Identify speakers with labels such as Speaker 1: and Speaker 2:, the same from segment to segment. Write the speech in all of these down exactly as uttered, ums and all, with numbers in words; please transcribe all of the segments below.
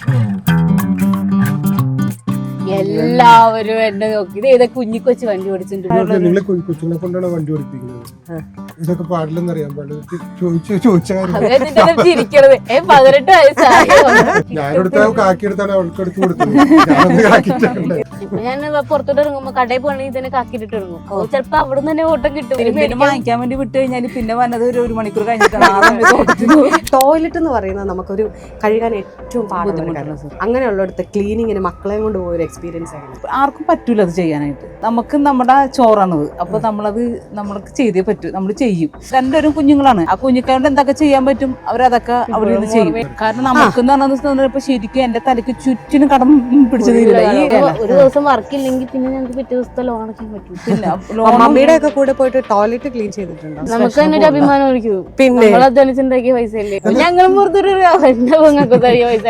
Speaker 1: എല്ലാവരും എന്നെ നോക്കി ഇത് ഏതാ കുഞ്ഞിക്കൊച്ചു വണ്ടി ഓടിച്ചിട്ടുണ്ട്.
Speaker 2: നിങ്ങളെ കൊച്ചിനെ കൊണ്ടാണ് വണ്ടി ഓടിപ്പിക്കുന്നത്. ഇതൊക്കെ പാടില്ലെന്നറിയാൻ പാടില്ല. ചോദിച്ചു ചോദിച്ചാൽ
Speaker 1: ചിരിക്കണത് ഏ പതിനെട്ട് വയസ്സായി.
Speaker 2: ഞാനെടുത്ത കാക്കിയെടുത്താണ് അവൾക്ക് എടുത്ത് കൊടുത്തത്.
Speaker 1: ഞാൻ പുറത്തോട്ട് ഇറങ്ങുമ്പോ കടയിൽ പോകണമെങ്കിൽ തന്നെ കാക്കിയിട്ട് ഇറങ്ങും. ചിലപ്പോ അവിടെ നിന്ന് തന്നെ ഓട്ടം കിട്ടും.
Speaker 3: വാങ്ങിക്കാൻ വേണ്ടി വിട്ട് കഴിഞ്ഞാൽ പിന്നെ വന്നത് ഒരു ഒരു മണിക്കൂർ കഴിഞ്ഞിട്ടാണ്.
Speaker 4: ടോയ്ലറ്റ് എന്ന് പറയുന്നത് നമുക്കൊരു കഴുകാൻ ഏറ്റവും പാടുള്ള അങ്ങനെയുള്ളടത്ത് ക്ലീനിങ്ങിന് മക്കളെ കൊണ്ട് പോയൊരു എക്സ്പീരിയൻസ് ആണ്.
Speaker 3: ആർക്കും പറ്റൂല അത് ചെയ്യാനായിട്ട്. നമുക്ക് നമ്മുടെ ചോറാണത്. അപ്പൊ നമ്മളത് നമ്മൾക്ക് ചെയ്തേ പറ്റൂ. നമ്മൾ ചെയ്യും. രണ്ടുപേരും കുഞ്ഞുങ്ങളാണ്. ആ കുഞ്ഞിക്കാരോട് എന്തൊക്കെ ചെയ്യാൻ പറ്റും അവരതൊക്കെ അവിടെ നിന്ന് ചെയ്യും. കാരണം നമുക്ക് ഇപ്പൊ ശരിക്കും എന്റെ തലയ്ക്ക് ചുറ്റിനും കടം പിടിച്ചതില്ല.
Speaker 1: ഒരു ദിവസം വർക്കില്ലെങ്കിൽ പിന്നെ ഞങ്ങൾക്ക് പിറ്റേ ദിവസത്തെ ലോൺ അടയ്ക്കാൻ പറ്റും.
Speaker 4: പിന്നെ മമ്മിയുടെ ഒക്കെ കൂടെ പോയിട്ട് ടോയ്ലറ്റ് ക്ലീൻ ചെയ്തിട്ടുണ്ടോ?
Speaker 1: നമുക്ക് തന്നെ ഒരു അഭിമാനം ഒഴിക്കൂ. പിന്നെ നമ്മൾ അധ്വാനിച്ചുണ്ടാക്കിയ പൈസ അല്ലേ. ഞങ്ങളും പുറത്തൊരു എന്റെ പൊങ്ങൾക്ക് തരിക പൈസ.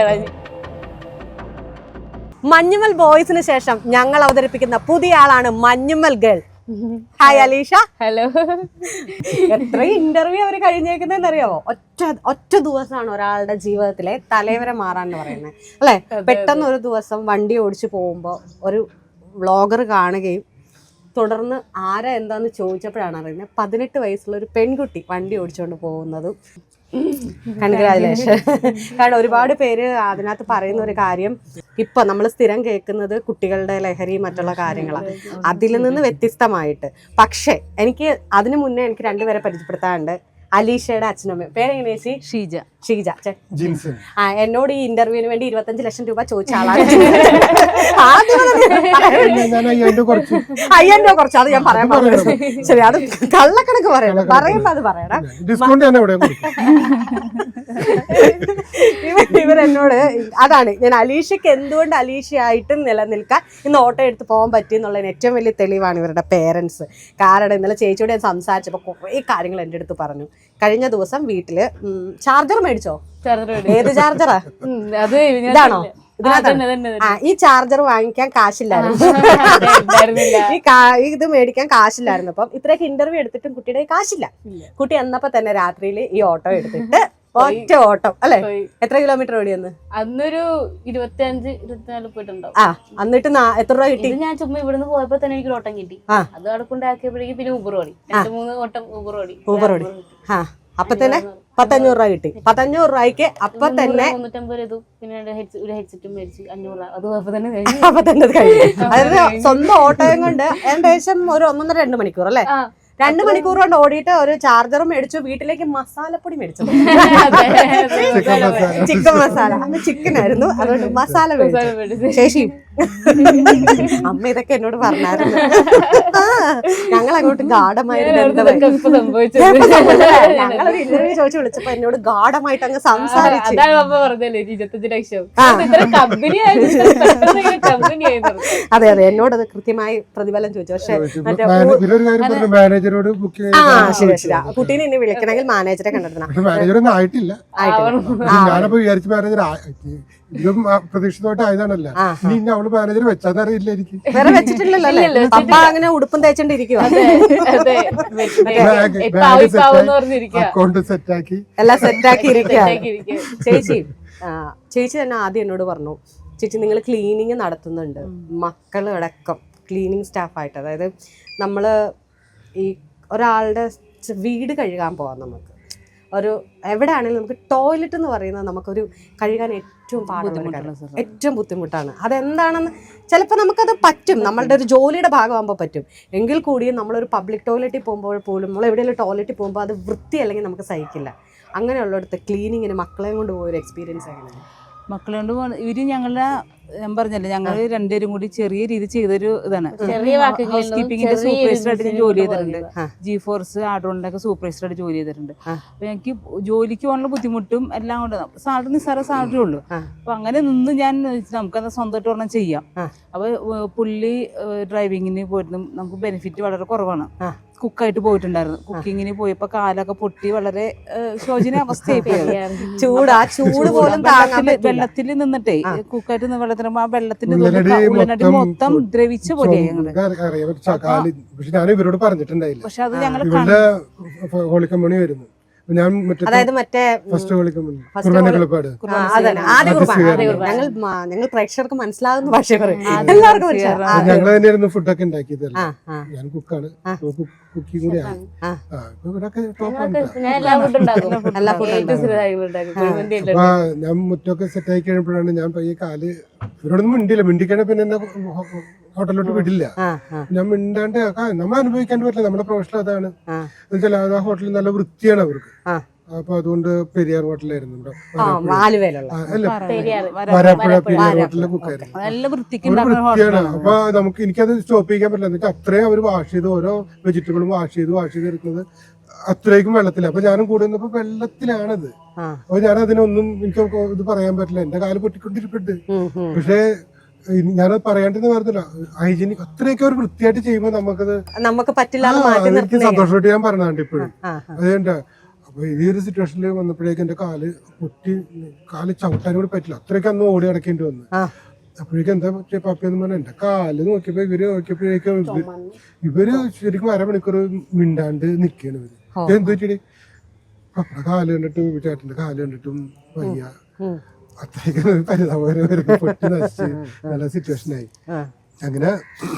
Speaker 4: മഞ്ഞുമൽ ബോയ്സിന് ശേഷം ഞങ്ങൾ അവതരിപ്പിക്കുന്ന പുതിയ ആളാണ് Manjummel girl. Hi Alisha.
Speaker 1: Hello.
Speaker 4: എത്ര ഇന്റർവ്യൂ അവര് കഴിഞ്ഞേക്കുന്നതെന്ന് അറിയാവോ? ഒറ്റ ഒറ്റ ദിവസമാണ് ഒരാളുടെ ജീവിതത്തിലെ തലവരെ മാറാന്ന് പറയുന്നത് അല്ലെ. പെട്ടെന്ന് ഒരു ദിവസം വണ്ടി ഓടിച്ചു പോകുമ്പോൾ ഒരു വ്ളോഗർ കാണുകയും തുടർന്ന് ആരാ എന്താന്ന് ചോദിച്ചപ്പോഴാണ് അറിയുന്നത് പതിനെട്ട് വയസ്സുള്ള ഒരു പെൺകുട്ടി വണ്ടി ഓടിച്ചുകൊണ്ട് പോകുന്നതും. കൺഗ്രാജുലേഷൻ. കാരണം ഒരുപാട് പേര് അതിനകത്ത് പറയുന്ന ഒരു കാര്യം ഇപ്പൊ നമ്മൾ സ്ഥിരം കേൾക്കുന്നത് കുട്ടികളുടെ ലഹരി മറ്റുള്ള കാര്യങ്ങളാണ്. അതിൽ നിന്ന് വ്യത്യസ്തമായിട്ട് പക്ഷെ എനിക്ക് അതിനു മുന്നേ എനിക്ക് രണ്ടുപേരെ പരിചയപ്പെടുത്താറുണ്ട്. അലീഷയുടെ അച്ഛനമ്മ പേരെങ്ങനെ ചേച്ചി?
Speaker 3: ഷീജ.
Speaker 4: ഷീജ. ആ എന്നോട് ഈ ഇന്റർവ്യൂവിന് വേണ്ടി ഇരുപത്തഞ്ച് ലക്ഷം രൂപ ചോദിച്ച ആളാണ്. അയ്യായിരം രൂപ കുറച്ച് അത് ഞാൻ പറയാൻ പറഞ്ഞു. ശരി, അത് കള്ളക്കണക്ക് പറയണം. പറയുമ്പോ അത് പറയണം. ഇവരെന്നോട് അതാണ് ഞാൻ അലീഷയ്ക്ക് എന്തുകൊണ്ട് അലീഷയായിട്ട് നിലനിൽക്കാൻ ഇന്ന് ഓട്ടോ എടുത്ത് പോകാൻ പറ്റി എന്നുള്ളതിന് ഏറ്റവും വലിയ തെളിവാണ് ഇവരുടെ പേരൻസ്. കാരണം ഇന്നലെ ചേച്ചിയോട് ഞാൻ സംസാരിച്ചപ്പോൾ കുറേ കാര്യങ്ങൾ എൻ്റെ അടുത്ത് പറഞ്ഞു. കഴിഞ്ഞ ദിവസം വീട്ടില് ചാർജർ മേടിച്ചോ? ഏത് ചാർജറാ? ഇതാണോ? ആ ഈ ചാർജർ വാങ്ങിക്കാൻ കാശില്ലായിരുന്നു. ഈ ഇത് മേടിക്കാൻ കാശില്ലായിരുന്നു. അപ്പം ഇത്രയൊക്കെ ഇന്റർവ്യൂ എടുത്തിട്ടും കുട്ടിയുടെ കാശില്ല. കുട്ടി എന്നപ്പോ തന്നെ രാത്രിയിൽ ഈ ഓട്ടോ എടുത്തിട്ട് ഒറ്റ ഓട്ടം അല്ലെ. എത്ര കിലോമീറ്റർ ഓടിയെന്ന്?
Speaker 1: അന്നൊരു ഇരുപത്തി അഞ്ച് ഇരുപത്തിനാല് പോയിട്ടുണ്ടാവും.
Speaker 4: ആ എന്നിട്ട് എത്ര രൂപ കിട്ടി?
Speaker 1: ഞാൻ ചുമ്മാ ഇവിടുന്ന് പോയപ്പോ തന്നെ എനിക്ക് ഓട്ടം കിട്ടി. അത് അവിടെ കൊണ്ടാക്കിയപ്പോഴേക്കും പിന്നെ ഊബർ ഓടി. രണ്ട് മൂന്ന് ഓട്ടം ഊബർ ഓടി.
Speaker 4: ഊബർ ഓടി. ആ അപ്പൊ തന്നെ പത്തഞ്ഞൂറ് രൂപ കിട്ടി. പത്തഞ്ഞൂറ് രൂപയ്ക്ക് അപ്പൊ തന്നെ
Speaker 1: മുന്നൂറ്റമ്പത് രൂപ പിന്നെ ഒരു ഹെഡ്സെറ്റും മേടിച്ചു അഞ്ഞൂറ് രൂപ. അത് അപ്പൊ തന്നെ
Speaker 4: അപ്പൊ തന്നെ കഴിഞ്ഞു. അതായത് സ്വന്തം ഓട്ടോയും കൊണ്ട് ഏകദേശം ഒരു ഒന്നൊന്നര രണ്ട് മണിക്കൂർ അല്ലെ. രണ്ട് മണിക്കൂർ കൊണ്ട് ഓടിയിട്ട് ഒരു ചാർജറും മേടിച്ചു. വീട്ടിലേക്ക് മസാലപ്പൊടി മേടിച്ചു. ചിക്കൻ മസാല. അന്ന് ചിക്കൻ ആയിരുന്നു, അതുകൊണ്ട് മസാല മേടിച്ചു. ശേഷി അമ്മ ഇതൊക്കെ എന്നോട് പറഞ്ഞായിരുന്നു. ഞങ്ങൾ അങ്ങോട്ട് ഗാഢമായിരുന്നു ഞങ്ങളൊരു ഇന്റർവ്യൂ ചോദിച്ചു വിളിച്ചപ്പോ എന്നോട് ഗാഢമായിട്ട് അങ്ങ് സംസാരിച്ചു. അതെ അതെ എന്നോട് അത് കൃത്യമായി പ്രതിഫലം ചോദിച്ചു. പക്ഷെ ആ ശരി ശരി കുട്ടീനെ ഇനി വിളിക്കണമെങ്കിൽ മാനേജറെ കണ്ടെത്തണം.
Speaker 2: മാനേജറൊന്നും ആയിട്ടില്ല. ഞാനപ്പോ വിചാരിച്ച മാനേജർ ഇതും പ്രതീക്ഷിതമായിട്ട് ആയതാണല്ല. ഇനി അവള് മാനേജർ വെച്ചാന്നറിയില്ല എനിക്ക്.
Speaker 4: വേറെ വെച്ചിട്ടില്ലല്ലോ. പപ്പ അങ്ങനെ ഉടുപ്പും തേച്ചോണ്ടിരിക്കുക.
Speaker 2: അക്കൗണ്ട് സെറ്റാക്കി
Speaker 4: എല്ലാം സെറ്റാക്കി ഇരിക്കുക. ചേച്ചി ചേച്ചി തന്നെ ആദ്യം എന്നോട് പറഞ്ഞു, ചേച്ചി നിങ്ങൾ ക്ലീനിങ് നടത്തുന്നുണ്ട് മക്കളടക്കം ക്ലീനിങ് സ്റ്റാഫായിട്ട്. അതായത് നമ്മള് ഈ ഒരാളുടെ വീട് കഴുകാൻ പോവാം. നമുക്ക് ഒരു എവിടെയാണെങ്കിലും നമുക്ക് ടോയ്ലറ്റ് എന്ന് പറയുന്നത് നമുക്കൊരു കഴുകാൻ ഏറ്റവും പാടുള്ള ഏറ്റവും ബുദ്ധിമുട്ടാണ്. അതെന്താണെന്ന് ചിലപ്പോൾ നമുക്കത് പറ്റും, നമ്മളുടെ ഒരു ജോലിയുടെ ഭാഗമാകുമ്പോൾ പറ്റും. എങ്കിൽ കൂടിയും നമ്മളൊരു പബ്ലിക് ടോയ്ലറ്റിൽ പോകുമ്പോൾ പോലും നമ്മൾ എവിടെയെങ്കിലും ടോയ്ലറ്റിൽ പോകുമ്പോൾ അത് വൃത്തി അല്ലെങ്കിൽ നമുക്ക് സഹിക്കില്ല. അങ്ങനെയുള്ളിടത്ത് ക്ലീനിങ്ങിന് മക്കളെയും കൊണ്ട് പോയൊരു എക്സ്പീരിയൻസ് ആയിരുന്നു.
Speaker 3: മക്കളെ കൊണ്ട് പോകണം. ഇവര് ഞങ്ങളുടെ ഞാൻ പറഞ്ഞല്ലേ ഞങ്ങൾ രണ്ടുപേരും കൂടി ചെറിയ രീതി ചെയ്തൊരു ഇതാണ്. ഹൗസ് കീപ്പിങ്ങിന്റെ സൂപ്പർവൈസറായിട്ട് ഞാൻ ജോലി ചെയ്തിട്ടുണ്ട്. ജി ഫോർസ് ആഡ്രോണിന്റെ ഒക്കെ സൂപ്പർവൈസറായിട്ട് ജോലി ചെയ്തിട്ടുണ്ട്. അപ്പൊ എനിക്ക് ജോലിക്ക് പോകാനുള്ള ബുദ്ധിമുട്ടും എല്ലാം കൊണ്ട് സാലറി നിസ്സാര സാലറി ഉള്ളൂ. അപ്പൊ അങ്ങനെ നിന്ന് ഞാൻ നമുക്കത് സ്വന്തമായിട്ട് ഒരെണ്ണം ചെയ്യാം. അപ്പൊ പുള്ളി ഡ്രൈവിങ്ങിന് പോയിരുന്നു. നമുക്ക് ബെനിഫിറ്റ് വളരെ കുറവാണ്. കുക്കായിട്ട് പോയിട്ടുണ്ടായിരുന്നു. കുക്കിങ്ങിന് പോയപ്പോ കാലൊക്കെ പൊട്ടി വളരെ ശോചന അവസ്ഥയായി.
Speaker 4: ചൂട് ആ ചൂട് പോലും
Speaker 3: വെള്ളത്തിൽ നിന്നിട്ടേ കുക്കായിട്ട് വെള്ളത്തിൽ ആ വെള്ളത്തിന്റെ ഉള്ളനടി മൊത്തം ദ്രവിച്ച പോലെയായി ഞങ്ങള്.
Speaker 2: പക്ഷെ ഞാൻ ഇവരോട് പറഞ്ഞിട്ടുണ്ടായില്ല.
Speaker 3: പക്ഷെ അത് ഞങ്ങള്
Speaker 2: ഹോളി കമ്മ്യൂണി വരുന്നു. ഞാൻ മറ്റേ
Speaker 4: അതായത് മറ്റേ
Speaker 2: ഫസ്റ്റ് കളിക്കും
Speaker 4: First
Speaker 2: കുർബാന
Speaker 4: കളി-
Speaker 2: കളിപ്പാട്
Speaker 4: ആ, അതന്നെ ആദ്യ
Speaker 2: ആദ്യ
Speaker 4: കുർബാന
Speaker 2: സ്വീകരണം.
Speaker 4: ഞങ്ങൾ മ- ഞങ്ങൾ പ്രേക്ഷകർക്ക് മനസ്സിലാകുന്ന ഭാഷ പറയും എല്ലാവർക്കും മനസ്സിലാവും. ആ,
Speaker 2: ഞങ്ങൾ തന്നെയായിരുന്നു ഫുഡൊക്കെ ഉണ്ടാക്കിയതല്ല.
Speaker 4: ആ, ആ.
Speaker 2: ഞാൻ കുക്കാണ്,
Speaker 4: ആ.
Speaker 2: കുക്കിംഗ് കൂടി ആയി.
Speaker 4: ആ.
Speaker 2: ആ, ഇപ്പൊ ഇവിടെയൊക്കെ ടോപ്പാണ് ട്ടോ.
Speaker 1: ഞാൻ എല്ലാ ഫുഡും ഉണ്ടാക്കും
Speaker 4: എല്ലാ food
Speaker 1: ഏറ്റവും സ്ഥിരം കാര്യങ്ങൾ ഉണ്ടാക്കും കുഴിമന്തി എല്ലാം
Speaker 2: അപ്പൊ ഞാൻ മുറ്റൊക്കെ സെറ്റ് ആയി കഴിയുമ്പോഴാണ് ഞാൻ പയ്യെ കാല് ഇവരോടൊന്നും മിണ്ടില്ല. മിണ്ടിക്കണേ പിന്നെ എന്നെ ഹോട്ടലിലോട്ട് വിടില്ല.
Speaker 4: ആ, ആ,
Speaker 2: ഞാൻ മിണ്ടാണ്ട് ആ, നമ്മൾ അനുഭവിക്കാൻ പറ്റില്ല. നമ്മുടെ പ്രൊഫഷൻ അതാണ്.
Speaker 4: ആ.
Speaker 2: എന്നുവെച്ചാൽ ആ ഹോട്ടലിൽ നല്ല വൃത്തിയാണ് അവർക്ക്.
Speaker 4: ആ.
Speaker 2: അപ്പൊ അതുകൊണ്ട് പെരിയാർ ഹോട്ടലായിരുന്നു ഇവിടെ.
Speaker 4: ആ, ആലുവയിലുള്ള
Speaker 2: ആ, അല്ല
Speaker 1: പെരിയാറ്.
Speaker 2: വരാപ്പുഴ പെരിയാർ ഹോട്ടലിലെ കുക്കായിരുന്നു.
Speaker 3: നല്ല വൃത്തിക്ക്
Speaker 2: ഒരു
Speaker 3: ഉണ്ടാക്കുന്ന
Speaker 2: വൃത്തിയാണ്.
Speaker 3: ഹോട്ടലാണ്.
Speaker 2: അപ്പൊ നമുക്ക് എനിക്കത് സ്റ്റോപ്പ് ചെയ്യാൻ പറ്റില്ല. എന്നിട്ട് അത്രയും അവർ വാഷ് ചെയ്ത് ഓരോ വെജിറ്റബിളും വാഷ് ചെയ്ത് വാഷ് ചെയ്ത് എടുക്കുന്നത് അത്രയ്ക്കും വെള്ളത്തില. അപ്പൊ ഞാനും കൂടെ നിന്നപ്പോ വെള്ളത്തിലാണത്.
Speaker 4: ആ.
Speaker 2: അപ്പൊ ഞാൻ അതിനൊന്നും എനിക്ക് ഇത് പറയാൻ പറ്റില്ല. എന്റെ കാല് പൊട്ടിക്കൊണ്ടിരിപ്പുണ്ട്.
Speaker 4: ഉം, ഉം.
Speaker 2: പക്ഷേ ഞാനത് പറയാണ്ടെന്ന് പറഞ്ഞില്ല. ഹൈജീനിക് അത്രയൊക്കെ ഒരു വൃത്തിയായിട്ട് ചെയ്യുമ്പോ നമുക്കത്
Speaker 4: നമുക്ക് പറ്റില്ല
Speaker 2: ആ,
Speaker 4: മാറ്റി
Speaker 2: എനിക്ക്
Speaker 4: നിർത്തുന്ന
Speaker 2: സന്തോഷമായിട്ട് ഞാൻ പറഞ്ഞാണ്ട് ഇപ്പോഴും.
Speaker 4: ആ, ആ.
Speaker 2: അതുകൊണ്ട് അപ്പൊ ഈ ഒരു സിറ്റുവേഷനിൽ വന്നപ്പോഴേക്കും എന്റെ കാല് പൊട്ടി, കാല് ചവിട്ടാനും കൂടി പറ്റില്ല. അത്രയൊക്കെ അന്ന് ഓടി അടക്കേണ്ടി വന്നു.
Speaker 4: ആ.
Speaker 2: അപ്പോഴേക്കും എന്താ പറ്റിയ പാപ്പയെന്ന് പറഞ്ഞാൽ എന്റെ കാല് നോക്കിയപ്പോ ഇവര് നോക്കിയപ്പോഴേക്കും ഇവര് ഇവര് ശരിക്കും അരമണിക്കൂർ മിണ്ടാണ്ട് നിക്കാണ് ഇവര്. എന്ത് പറ്റിയത് പപ്പയുടെ കാല് കണ്ടിട്ടും ചേട്ടന്റെ കാല് കണ്ടിട്ടും വയ്യ.
Speaker 4: ഉം.
Speaker 2: അത്രയ്ക്ക് പരിതാപകരം പൊട്ടി നശിച്ച് നല്ല സിറ്റുവേഷനായി.
Speaker 4: ആ.
Speaker 2: അങ്ങനെ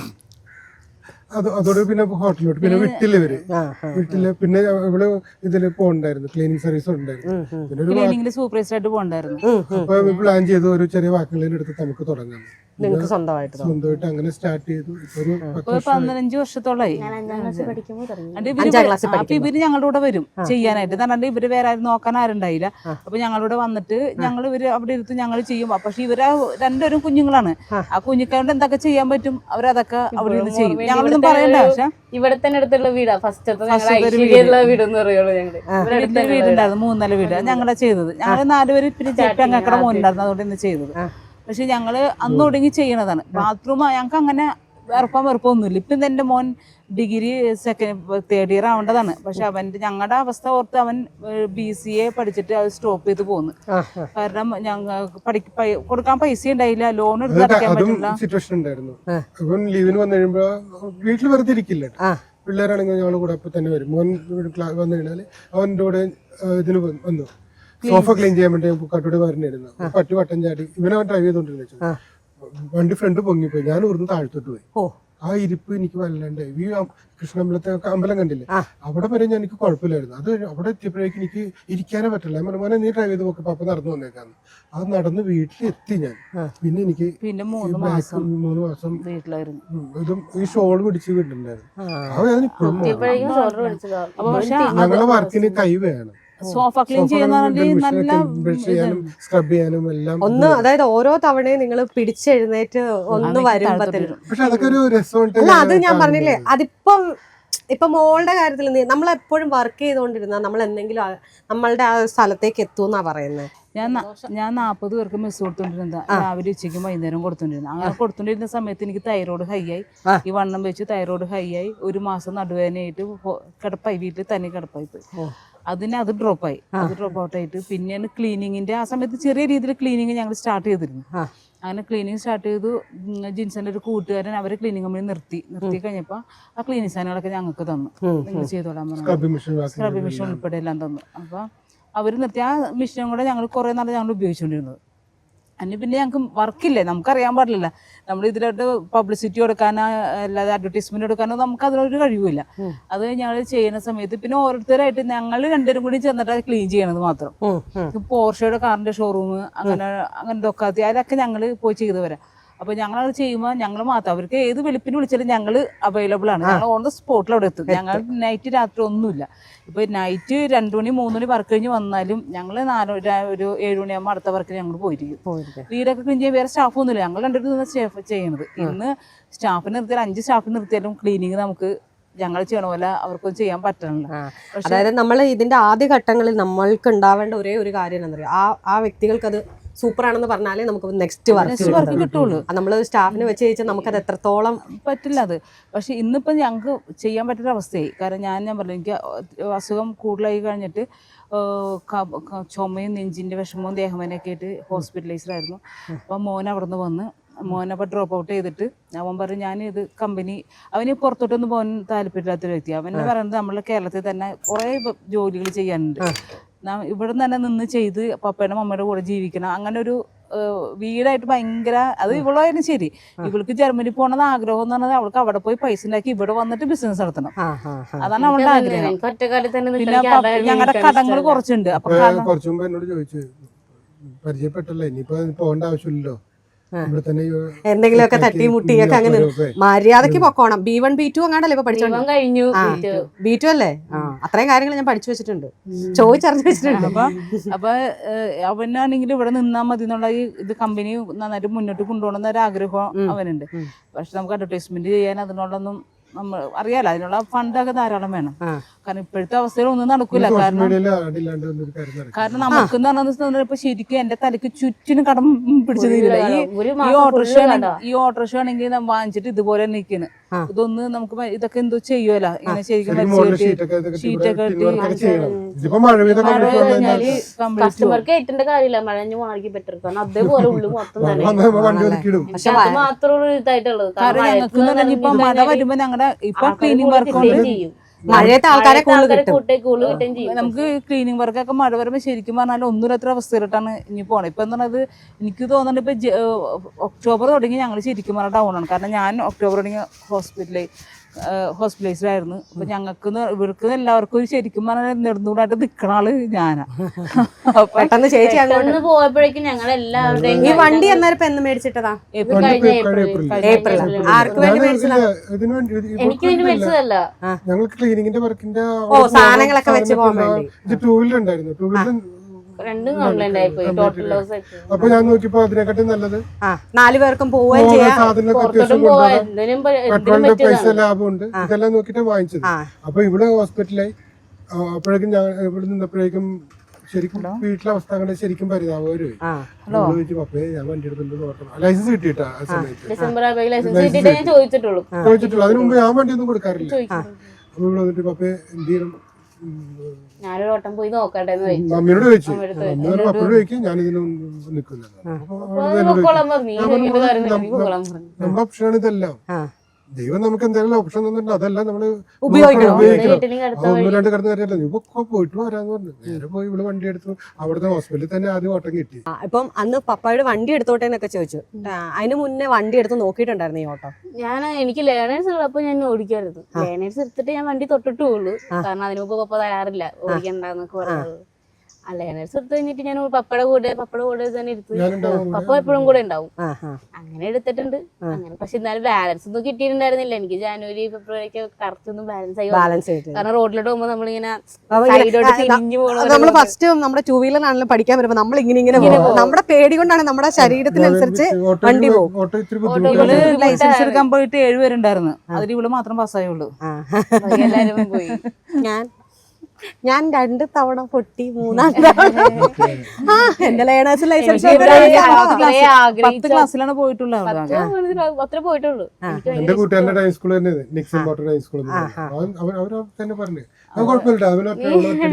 Speaker 2: അത് അതോടെ പിന്നെ ഹോട്ടലിലോട്ട് പിന്നെ വിട്ടില്ല ഇവര്.
Speaker 4: ആ, ആ.
Speaker 2: വീട്ടില് പിന്നെ ഇവിടെ ഇതില് പോണ്ടായിരുന്നു, ക്ലീനിങ് സർവീസ് ഉണ്ടായിരുന്നു.
Speaker 4: ഉം, ഉം.
Speaker 2: പിന്നെ ഒരു
Speaker 3: ക്ലീനിങ്ങിൽ സൂപ്പർവൈസർ ആയിട്ട് പോകണ്ടായിരുന്നു.
Speaker 4: ഉം, ഉം.
Speaker 2: അപ്പൊ പ്ലാൻ ചെയ്തു ഒരു ചെറിയ വാക്കുകളിൽ എടുത്ത് നമുക്ക് തുടങ്ങാം.
Speaker 4: നിങ്ങക്ക് സ്വന്തമായിട്ട് തോന്നും.
Speaker 2: സ്വന്തമായിട്ട് അങ്ങനെ സ്റ്റാർട്ട് ചെയ്തു. ഇപ്പൊ ഒരു പത്ത്
Speaker 3: ഇപ്പൊ
Speaker 2: വർഷം
Speaker 3: പതിനഞ്ച് വർഷത്തോളായി.
Speaker 1: ഞാൻ അഞ്ചാം ക്ലാസ്സിൽ പഠിക്കുമ്പോൾ തുടങ്ങി.
Speaker 3: എന്നിട്ട് ഇവര്
Speaker 4: അഞ്ചാം ക്ലാസ്സിൽ
Speaker 3: അപ്പൊ
Speaker 4: പഠിക്കുമ്പോ.
Speaker 3: ഇവര് ഞങ്ങളുടെ കൂടെ വരും ചെയ്യാനായിട്ട്. കാരണം ഇവര് വേറെ ആരും നോക്കാൻ ആരുണ്ടായില്ല. അപ്പൊ ഞങ്ങളുടെ വന്നിട്ട് ഞങ്ങൾ ഇവര് അവിടെ ഇരുത്ത് ഞങ്ങൾ ചെയ്യും. പക്ഷെ ഇവര് രണ്ടുപേരും കുഞ്ഞുങ്ങളാണ്. ആ കുഞ്ഞുക്കാരുടെ എന്തൊക്കെ ചെയ്യാൻ പറ്റും അവരതൊക്കെ അവിടെ ഇരുന്ന് ചെയ്യും. ഞങ്ങളൊന്നും പറയണ്ട. പക്ഷെ
Speaker 1: ഇവിടെ തന്നെ അടുത്തുള്ള വീടാ ഫസ്റ്റത്തെ
Speaker 3: First ഒരു
Speaker 1: ഐശ്വര്യമുള്ള വീടെന്ന് പറയുള്ളൂ ഞങ്ങള്. ഇവിടെ
Speaker 3: വീട്ടിൽ
Speaker 1: അടുത്തുള്ള
Speaker 3: വീടുണ്ടായിരുന്നു, മൂന്നല വീട് ഞങ്ങളെ ചെയ്തത്. ഞങ്ങൾ നാലുപേര് പിന്നെ ചേട്ടൻ ഞങ്ങളുടെ മോനുണ്ടായിരുന്നു, അതുകൊണ്ട് ഇന്ന് ചെയ്തത്. പക്ഷെ ഞങ്ങള് അന്ന് ഒടുങ്ങി ചെയ്യണതാണ്. ബാത്റൂം ഞങ്ങൾക്ക് അങ്ങനെ വെറുപ്പം വെറുപ്പൊന്നുമില്ല. ഇപ്പം എന്റെ മോൻ ഡിഗ്രി സെക്കൻഡ് തേർഡ് ഇയർ ആവേണ്ടതാണ്. പക്ഷെ അവന്റെ ഞങ്ങളുടെ അവസ്ഥ ഓർത്ത് അവൻ ബി സി എ പഠിച്ചിട്ട് അത് സ്റ്റോപ്പ് ചെയ്ത് പോന്നു. കാരണം ഞങ്ങൾ പഠിക്ക കൊടുക്കാൻ പൈസ ഉണ്ടായില്ല, ലോൺ എടുത്ത് അടയ്ക്കാൻ
Speaker 2: അതും
Speaker 3: പറ്റില്ല.
Speaker 2: സിറ്റുവേഷൻ ഉണ്ടായിരുന്നു. അപ്പം ലീവിന് വന്നു കഴിയുമ്പോ വീട്ടിൽ വെറുതെ ഇരിക്കില്ല. പിള്ളേരാണെങ്കിൽ ഞങ്ങൾ കൂടെ അപ്പൊ തന്നെ വരും. മോൻ ക്ലാസ് വന്നു കഴിഞ്ഞാല് അവന്റെ കൂടെ ഇതിന് വന്നു സോഫ ക്ലീൻ ചെയ്യാൻ വേണ്ടി കട്ടോടെ വരണിരുന്നു. പറ്റു വട്ടം ചാടി ഇവനെ അവൻ ഡ്രൈവ് ചെയ്തോണ്ടിരുന്നു. വണ്ടി ഫ്രണ്ട് പൊങ്ങിപ്പോയി. ഞാൻ ഇവിടുന്ന് താഴ്ത്തോട്ട് പോയി. ആ ഇരിപ്പ് എനിക്ക് വല്ലാണ്ട് ഈ കൃഷ്ണമ്പലത്തെ അമ്പലം കണ്ടില്ലേ, അവിടെ വരെ ഞാൻ എനിക്ക് കുഴപ്പമില്ലായിരുന്നു. അത് അവിടെ എത്തിയപ്പോഴേക്കും എനിക്ക് ഇരിക്കാനേ പറ്റില്ല. ഞാൻ മോനെ നീ ഡ്രൈവ് ചെയ്ത് നോക്കി പാപ്പ നടന്നു വന്നേക്കാന്ന്. അത് നടന്ന് വീട്ടിലെത്തി ഞാൻ. പിന്നെ എനിക്ക്
Speaker 3: പിന്നെ മൂന്ന് മാസം
Speaker 2: മൂന്ന് മാസം
Speaker 3: വീട്ടിലായിരുന്നു.
Speaker 2: ഇതും ഈ ഷോൾ പിടിച്ച് വിട്ടിട്ടുണ്ടായിരുന്നു. ആ വേദന ഇപ്പോഴും
Speaker 1: എപ്പോഴേക്കും ചോറ് പിടിച്ചതാ.
Speaker 3: അപ്പൊ പക്ഷെ
Speaker 2: ഞങ്ങളെ വർക്കിന് കൈ വേണം.
Speaker 3: സോഫ ക്ലീൻ ചെയ്യുന്ന നല്ല
Speaker 2: ബ്രഷ് ചെയ്യാനും സ്ക്രബ് ചെയ്യാനും എല്ലാം.
Speaker 4: ഒന്ന് അതായത് ഓരോ തവണയും നിങ്ങൾ പിടിച്ചെഴുന്നേറ്റ് ഒന്ന് വരുമ്പത്തേനും.
Speaker 2: പക്ഷെ അതൊക്കെ ഒരു രസമുണ്ട്.
Speaker 4: അല്ല അത് ഞാൻ പറഞ്ഞില്ലേ, അതിപ്പം ഇപ്പൊ മോളുടെ കാര്യത്തിൽ നമ്മളെപ്പോഴും വർക്ക് ചെയ്തുകൊണ്ടിരുന്ന നമ്മൾ എന്തെങ്കിലും ആ- നമ്മളുടെ ആ സ്ഥലത്തേക്ക് എത്തുമെന്നാ പറയുന്നത്.
Speaker 3: ഞാൻ ന- ഞാൻ നാൽപ്പത് പേർക്ക് മെസ്സ് കൊടുത്തോണ്ടിരുന്ന രാവിലെ ഉച്ചയ്ക്കും വൈകുന്നേരം കൊടുത്തോണ്ടിരുന്നു. അങ്ങനെ കൊടുത്തോണ്ടിരുന്ന സമയത്ത് എനിക്ക് തൈറോയ്ഡ് ഹൈ ആയി. ഈ വണ്ണം വെച്ച് തൈറോയ്ഡ് ഹൈ ആയി ഒരു മാസം നടുവേദനയായിട്ട് ഹോ- കിടപ്പായി, വീട്ടിൽ തന്നെ കിടപ്പായി പോയി. അതിന് അത് ഡ്രോപ്പായി. അത് ഡ്രോപ്പ് ഔട്ട് ആയിട്ട് പിന്നെയാണ് ക്ലീനിങ്ങിന്റെ ആ സമയത്ത് ചെറിയ രീതിയിൽ ക്ലീനിങ് ഞങ്ങൾ സ്റ്റാർട്ട് ചെയ്തിരുന്നു. അങ്ങനെ ക്ലീനിങ് സ്റ്റാർട്ട് ചെയ്തു. ജിൻസന്റെ ഒരു കൂട്ടുകാരൻ അവരെ ക്ലീനിങ് കമ്പനി നിർത്തി നിർത്തി കഴിഞ്ഞപ്പോൾ ആ ക്ലീനിങ് സാധനങ്ങളൊക്കെ ഞങ്ങൾക്ക് തന്നു. നിങ്ങൾ ചെയ്തോളാൻ പറഞ്ഞു. സ്ക്രബ് മെഷീൻ ഉൾപ്പെടെ എല്ലാം തന്നു. അപ്പോൾ അവർ നിർത്തി ആ മെഷീനും കൂടെ ഞങ്ങൾ കുറേ നാൾ ഞങ്ങൾ ഉപയോഗിച്ചുകൊണ്ടിരുന്നത്. അതിന് പിന്നെ ഞങ്ങൾക്ക് വർക്കില്ലേ, നമുക്കറിയാൻ പാടില്ല. നമ്മൾ ഇതിലോട്ട് പബ്ലിസിറ്റി കൊടുക്കാനോ അല്ലാതെ അഡ്വർടൈസ്മെന്റ് കൊടുക്കാനോ നമുക്ക് അതിനൊരു കഴിവില്ല. അത് ഞങ്ങൾ ചെയ്യുന്ന സമയത്ത് പിന്നെ ഓരോരുത്തരായിട്ട് ഞങ്ങൾ രണ്ടുപേരും കൂടി ചെന്നിട്ട് ക്ലീൻ ചെയ്യണത് മാത്രം. പോർഷയുടെ കാറിന്റെ ഷോറൂം അങ്ങനെ അങ്ങനെ ദൊക്കാത്തി അതൊക്കെ ഞങ്ങൾ പോയി ചെയ്തു വരാം. അപ്പോൾ ഞങ്ങളത് ചെയ്യുമ്പോൾ ഞങ്ങൾ മാത്രം അവർക്ക് ഏത് വെളുപ്പിന് വിളിച്ചാലും ഞങ്ങൾ അവൈലബിൾ ആണ്. ഞങ്ങൾ ഓൺ ദ സ്പോട്ടിൽ അവിടെ എത്തും. ഞങ്ങൾ നൈറ്റ് രാത്രി ഒന്നുമില്ല. ഇപ്പോൾ നൈറ്റ് രണ്ടു മണി മൂന്ന് മണി വർക്ക് കഴിഞ്ഞ് വന്നാലും ഞങ്ങൾ നാല് ഒരു ഏഴ് മണിയാകുമ്പോൾ അടുത്ത വർക്കിന് ഞങ്ങൾ പോയിരിക്കും. വീടൊക്കെ ക്ലീൻ ചെയ്യാൻ വേറെ സ്റ്റാഫൊന്നുമില്ല. ഞങ്ങൾ രണ്ടുപേരും നിന്ന് സ്റ്റാഫ് ചെയ്യണത്. ഇന്ന് സ്റ്റാഫിന് നിർത്തിയാൽ അഞ്ച് സ്റ്റാഫിന് നിർത്തിയാലും ക്ലീനിങ് നമുക്ക് ഞങ്ങൾ ചെയ്യണ പോലെ അവർക്കൊന്നും ചെയ്യാൻ പറ്റണില്ല.
Speaker 4: അതായത് നമ്മൾ ഇതിന്റെ ആദ്യ ഘട്ടങ്ങളിൽ നമ്മൾക്ക് ഉണ്ടാവേണ്ട ഒരേ ഒരു കാര്യം എന്താ പറയുക, ആ ആ വ്യക്തികൾക്ക് അത് സൂപ്പർ ആണെന്ന് പറഞ്ഞാലേ നമുക്ക് നെക്സ്റ്റ് വർക്ക്
Speaker 3: വർക്ക് കിട്ടുള്ളൂ.
Speaker 4: നമ്മൾ സ്റ്റാഫിനെ വെച്ച് കഴിച്ചാൽ നമുക്കത് എത്രത്തോളം
Speaker 3: പറ്റില്ല അത്. പക്ഷെ ഇന്നിപ്പം ഞങ്ങൾക്ക് ചെയ്യാൻ പറ്റുന്ന അവസ്ഥയായി. കാരണം ഞാൻ ഞാൻ പറഞ്ഞു എനിക്ക് അസുഖം കൂടുതലായി കഴിഞ്ഞിട്ട് ചുമയും നെഞ്ചിൻ്റെ വിഷമവും ദേഹവേനയൊക്കെ ആയിട്ട് ഹോസ്പിറ്റലൈസ്ഡായിരുന്നു. അപ്പം മോൻ അവിടെ നിന്ന് വന്ന് മോനപ്പോൾ ഡ്രോപ്പ് ഔട്ട് ചെയ്തിട്ട് അവൻ പറഞ്ഞു ഞാൻ ഇത് കമ്പനി, അവന് പുറത്തോട്ടൊന്നും പോകാൻ താല്പര്യമില്ലാത്തൊരു വ്യക്തി. അവൻ പറയുന്നത് നമ്മളെ കേരളത്തിൽ തന്നെ കുറേ ജോലികൾ ചെയ്യാനുണ്ട്, ഇവിടെ തന്നെ നിന്ന് ചെയ്ത് പപ്പയുടെ മമ്മയുടെ കൂടെ ജീവിക്കണം. അങ്ങനെ ഒരു വീടായിട്ട് ഭയങ്കര, അത് ഇവളായാലും ശരി, ഇവൾക്ക് ജർമ്മനി പോകണമെന്ന് ആഗ്രഹം എന്ന് പറഞ്ഞാൽ അവൾക്ക് അവിടെ പോയി പൈസ ഉണ്ടാക്കി ഇവിടെ വന്നിട്ട് ബിസിനസ് നടത്തണം, അതാണ് അവളുടെ ആഗ്രഹം. പിന്നെ ഞങ്ങളുടെ കടങ്ങൾ കുറച്ചുണ്ട്. അപ്പൊ
Speaker 2: കുറച്ചു മുമ്പ് എന്നോട് ചോദിച്ചു, പരിചയപ്പെട്ടല്ലോ ഇനിയിപ്പോ പോകേണ്ട ആവശ്യമില്ലല്ലോ,
Speaker 4: എന്തെങ്കിലുമൊക്കെ തട്ടി മുട്ടിയൊക്കെ അങ്ങനെ മര്യാദക്ക് പൊക്കോണം. ബി വൺ ബി ടു അങ്ങാണ്ടല്ലേ ഇപ്പൊ പഠിച്ചോണ്ട്
Speaker 1: കഴിഞ്ഞു,
Speaker 4: ബി ടു അല്ലേ? ആ അത്രയും കാര്യങ്ങൾ ഞാൻ പഠിച്ചു വെച്ചിട്ടുണ്ട്, ചോദിച്ചറിഞ്ഞു വെച്ചിട്ടുണ്ട്.
Speaker 3: അപ്പൊ അപ്പൊ അവനാണെങ്കിൽ ഇവിടെ നിന്നാ മതി എന്നുള്ള ഈ ഇത് കമ്പനി നന്നായിട്ട് മുന്നോട്ട് കൊണ്ടുപോകണമെന്ന ഒരു ആഗ്രഹം അവനുണ്ട്. പക്ഷെ നമുക്ക് അഡ്വർടൈസ്മെന്റ് ചെയ്യാൻ അതിനുള്ളൊന്നും നമ്മൾ അറിയാലോ, അതിനുള്ള ഫണ്ടൊക്കെ ധാരാളം വേണം. കാരണം ഇപ്പോഴത്തെ അവസ്ഥയിൽ ഒന്നും നടക്കൂല. കാരണം കാരണം നമുക്കെന്ന് പറഞ്ഞാൽ ഇപ്പൊ ശരിക്കും എന്റെ തലക്ക് ചുറ്റിനും കടം പിടിച്ചു തീരില്ല. ഈ ഓട്ടോറിക്ഷ ഈ ഓട്ടോറിക്ഷ ആണെങ്കിൽ വാങ്ങിച്ചിട്ട് ഇതുപോലെ നിൽക്കുന്നു. ഇതൊന്ന് നമുക്ക് ഇതൊക്കെ എന്തോ ചെയ്യുമല്ലോ, ഇങ്ങനെ ശരിക്കും ഷീറ്റൊക്കെ
Speaker 1: കസ്റ്റമർക്ക് ഏറ്റണ്ട കാര്യമില്ല, മഴഞ്ഞു മാറി ബെറ്റർ. കാരണം അതേപോലെ ഉള്ളു മൊത്തം തന്നെ മാത്രമുള്ള ഇതായിട്ടുള്ളത്.
Speaker 3: കാരണം ഞങ്ങൾക്ക് ഇപ്പൊ മഴ വരുമ്പോ ഞങ്ങളുടെ ഇപ്പൊ ക്ലീനിങ് വർക്ക് കൊണ്ട്
Speaker 4: മഴയത്തെ ആൾക്കാരെ
Speaker 3: നമുക്ക് ക്ലീനിങ് വർക്കൊക്കെ മഴ വരുമ്പോൾ ശരിക്കും പറഞ്ഞാൽ ഒന്നുമില്ലാത്ത അവസ്ഥയിലിട്ടാണ് ഇനി പോണത്. ഇപ്പൊ എന്താ പറയുന്നത്, എനിക്ക് തോന്നുന്നുണ്ട് ഇപ്പൊ ഒക്ടോബർ തുടങ്ങി ഞങ്ങൾ ശരിക്കും പറഞ്ഞാൽ ഡൗൺ ആണ്. കാരണം ഞാൻ ഒക്ടോബർ തുടങ്ങി ഹോസ്പിറ്റലിൽ ഹോസ്പിറ്റലൈസ്ഡായിരുന്നു. അപ്പൊ ഞങ്ങൾക്ക് ഇവർക്ക് എല്ലാവർക്കും ശരിക്കും പറഞ്ഞാൽ നെടുന്നൂടായിട്ട് നിക്കണ ആള് ഞാനാ.
Speaker 4: പെട്ടെന്ന് ചേച്ചി
Speaker 1: അങ്ങോട്ട് പോയപ്പോഴേക്കും ഞങ്ങൾ എല്ലാവരുടെയും
Speaker 4: ഈ വണ്ടി അന്നേരം എന്ന് മേടിച്ചിട്ടതാ? ഏപ്രിൽ. ആർക്ക് വേണ്ടി മേടിച്ചതാ?
Speaker 1: എനിക്ക് വേണ്ടി മേടിച്ചതല്ല,
Speaker 2: ഞങ്ങൾക്ക് ക്ലീനിങ്ങിന്റെ വർക്കിന്റെ
Speaker 4: ഓ സാധനങ്ങളൊക്കെ വെച്ച് പോകാൻ വേണ്ടി.
Speaker 2: ടൂ വീലർ ഉണ്ടായിരുന്നു, ടൂ വീലർ
Speaker 1: രണ്ടും കംപ്ലൈന്റ് ആയിപ്പോയി. ടോട്ടൽ ലോസ് ആയിപ്പോയി.
Speaker 2: അപ്പൊ ഞാൻ നോക്കിയപ്പോ അതിനെക്കാട്ടും നല്ലത്
Speaker 4: നാലു പേർക്കും പോവുകയും ചെയ്യാം,
Speaker 2: പെട്രോളിന്റെ പൈസ ലാഭമുണ്ട്, ഇതെല്ലാം നോക്കിട്ടാ വാങ്ങിച്ചത്. അപ്പൊ ഇവിടെ ഹോസ്പിറ്റലായി. അപ്പോഴേക്കും ഞാൻ ഇവിടെ നിന്നപ്പോഴേക്കും ശരിക്കും വീട്ടിലെ അവസ്ഥ കണ്ട് ശരിക്കും പരിതാപകരമായി. ചോദിച്ചു പപ്പയെ ഞാൻ വണ്ടി എടുത്തിട്ട് നോക്കണം, ലൈസൻസ് കിട്ടിയിട്ടാ ആ സമയത്ത്
Speaker 1: ഡിസംബർ ലൈസൻസ് കിട്ടിയിട്ടേ ഞാൻ ചോദിച്ചിട്ടുള്ളൂ
Speaker 2: ചോദിച്ചിട്ടുള്ളൂ അതിന് മുമ്പ് ഞാൻ വണ്ടിയൊന്നും കൊടുക്കാറില്ല. അപ്പൊ ഇവിടെ വന്നിട്ട് പപ്പയെ എന്ത് ചെയ്യണം,
Speaker 1: ഞാനൊരു വട്ടം പോയി നോക്കട്ടെ
Speaker 2: മമ്മിയോട് ചോദിച്ചു. മമ്മിയോട് പപ്പയോട് ചോദിക്കും, ഞാനിതിന് നിൽക്കുന്നത്. നമ്മുടെ ഓപ്ഷനാണ് ഇതെല്ലാം. ദൈവം നമുക്ക് എന്തെങ്കിലും ഓപ്ഷൻ തന്നിട്ടുണ്ട്, അതെല്ലാം നമ്മള് ഉപയോഗിക്കണം. ഒന്നും രണ്ട് കിടന്ന് കാര്യമല്ല, നീ ഇപ്പൊ പോയിട്ട് വരാന്ന് പറഞ്ഞു. നേരെ പോയി ഇവിടെ വണ്ടി എടുത്തു. അവിടുത്തെ ഹോസ്പിറ്റലിൽ തന്നെ ആദ്യം ഓട്ടം കിട്ടി.
Speaker 4: ഇപ്പം അന്ന് പപ്പയുടെ വണ്ടി എടുത്തോട്ടെ എന്നൊക്കെ ചോദിച്ചു. അതിന് മുന്നേ വണ്ടി എടുത്ത് നോക്കിയിട്ടുണ്ടായിരുന്നു ഈ ഓട്ടോ?
Speaker 1: ഞാൻ എനിക്ക് ലേണേഴ്സ് ഉള്ളപ്പോ ഞാൻ ഓടിക്കായിരുന്നു. ലേണേഴ്സ് എടുത്തിട്ട് ഞാൻ വണ്ടി തൊട്ടിട്ടേ ഉള്ളൂ. കാരണം അതിന് മുമ്പ് പപ്പ തയ്യാറില്ല ഓടിക്കണ്ടെന്നൊക്കെ പറയുന്നത്. ആ ലേണേഴ്സ് എടുത്ത് കഴിഞ്ഞിട്ട് ഞാൻ പപ്പയുടെ കൂടെ പപ്പയുടെ കൂടെ തന്നെ എടുത്തു. പപ്പ എപ്പോഴും കൂടെ ഉണ്ടാവും. അങ്ങനെ എടുത്തിട്ടുണ്ട്. അങ്ങനെ പക്ഷെ എന്നാലും ബാലൻസ് ഒന്നും കിട്ടിയിട്ടുണ്ടായിരുന്നില്ല. എനിക്ക് ജാനുവരി ഫെബ്രുവരി ഒക്കെ കറക്റ്റ് ഒന്നും ബാലൻസ് ആയി ബാലൻസ് കാരണം റോഡിലോട്ട് പോകുമ്പോ നമ്മളിങ്ങനെ തിരിഞ്ഞു പോകണം.
Speaker 4: നമ്മള് ഫസ്റ്റ് നമ്മുടെ ടൂ വീലർ ആണെങ്കിലും പഠിക്കാൻ വരുമ്പോ നമ്മൾ ഇങ്ങനെ ഇങ്ങനെ പോകും. നമ്മുടെ പേടി കൊണ്ടാണ് നമ്മുടെ ശരീരത്തിനനുസരിച്ച് വണ്ടി പോകും.
Speaker 3: ലൈസൻസ് എടുക്കാൻ പോയിട്ട് ഏഴുപേരുണ്ടായിരുന്നു, അതിൽ ഇവള് മാത്രം പാസ്സായുള്ളൂ.
Speaker 1: എല്ലാരും പോയി.
Speaker 4: ഞാൻ ഞാൻ രണ്ട് തവണ പൊട്ടി, മൂന്നാം തവണ ആ എന്റെ ലേണേഴ്സ് ലൈസൻസ്
Speaker 3: പത്ത് ക്ലാസ്സിലാണ് പോയിട്ടുള്ളത്.
Speaker 1: അത്ര പോയിട്ടുള്ളൂ.
Speaker 2: എന്റെ കൂട്ടുകാരന്റെ ഡൈ സ്കൂൾ തന്നെ നിക്സൺ മോട്ടോർ ഡൈ സ്കൂൾ അവര് തന്നെ പറഞ്ഞു അത് കുഴപ്പമില്ല, അവനൊക്കെ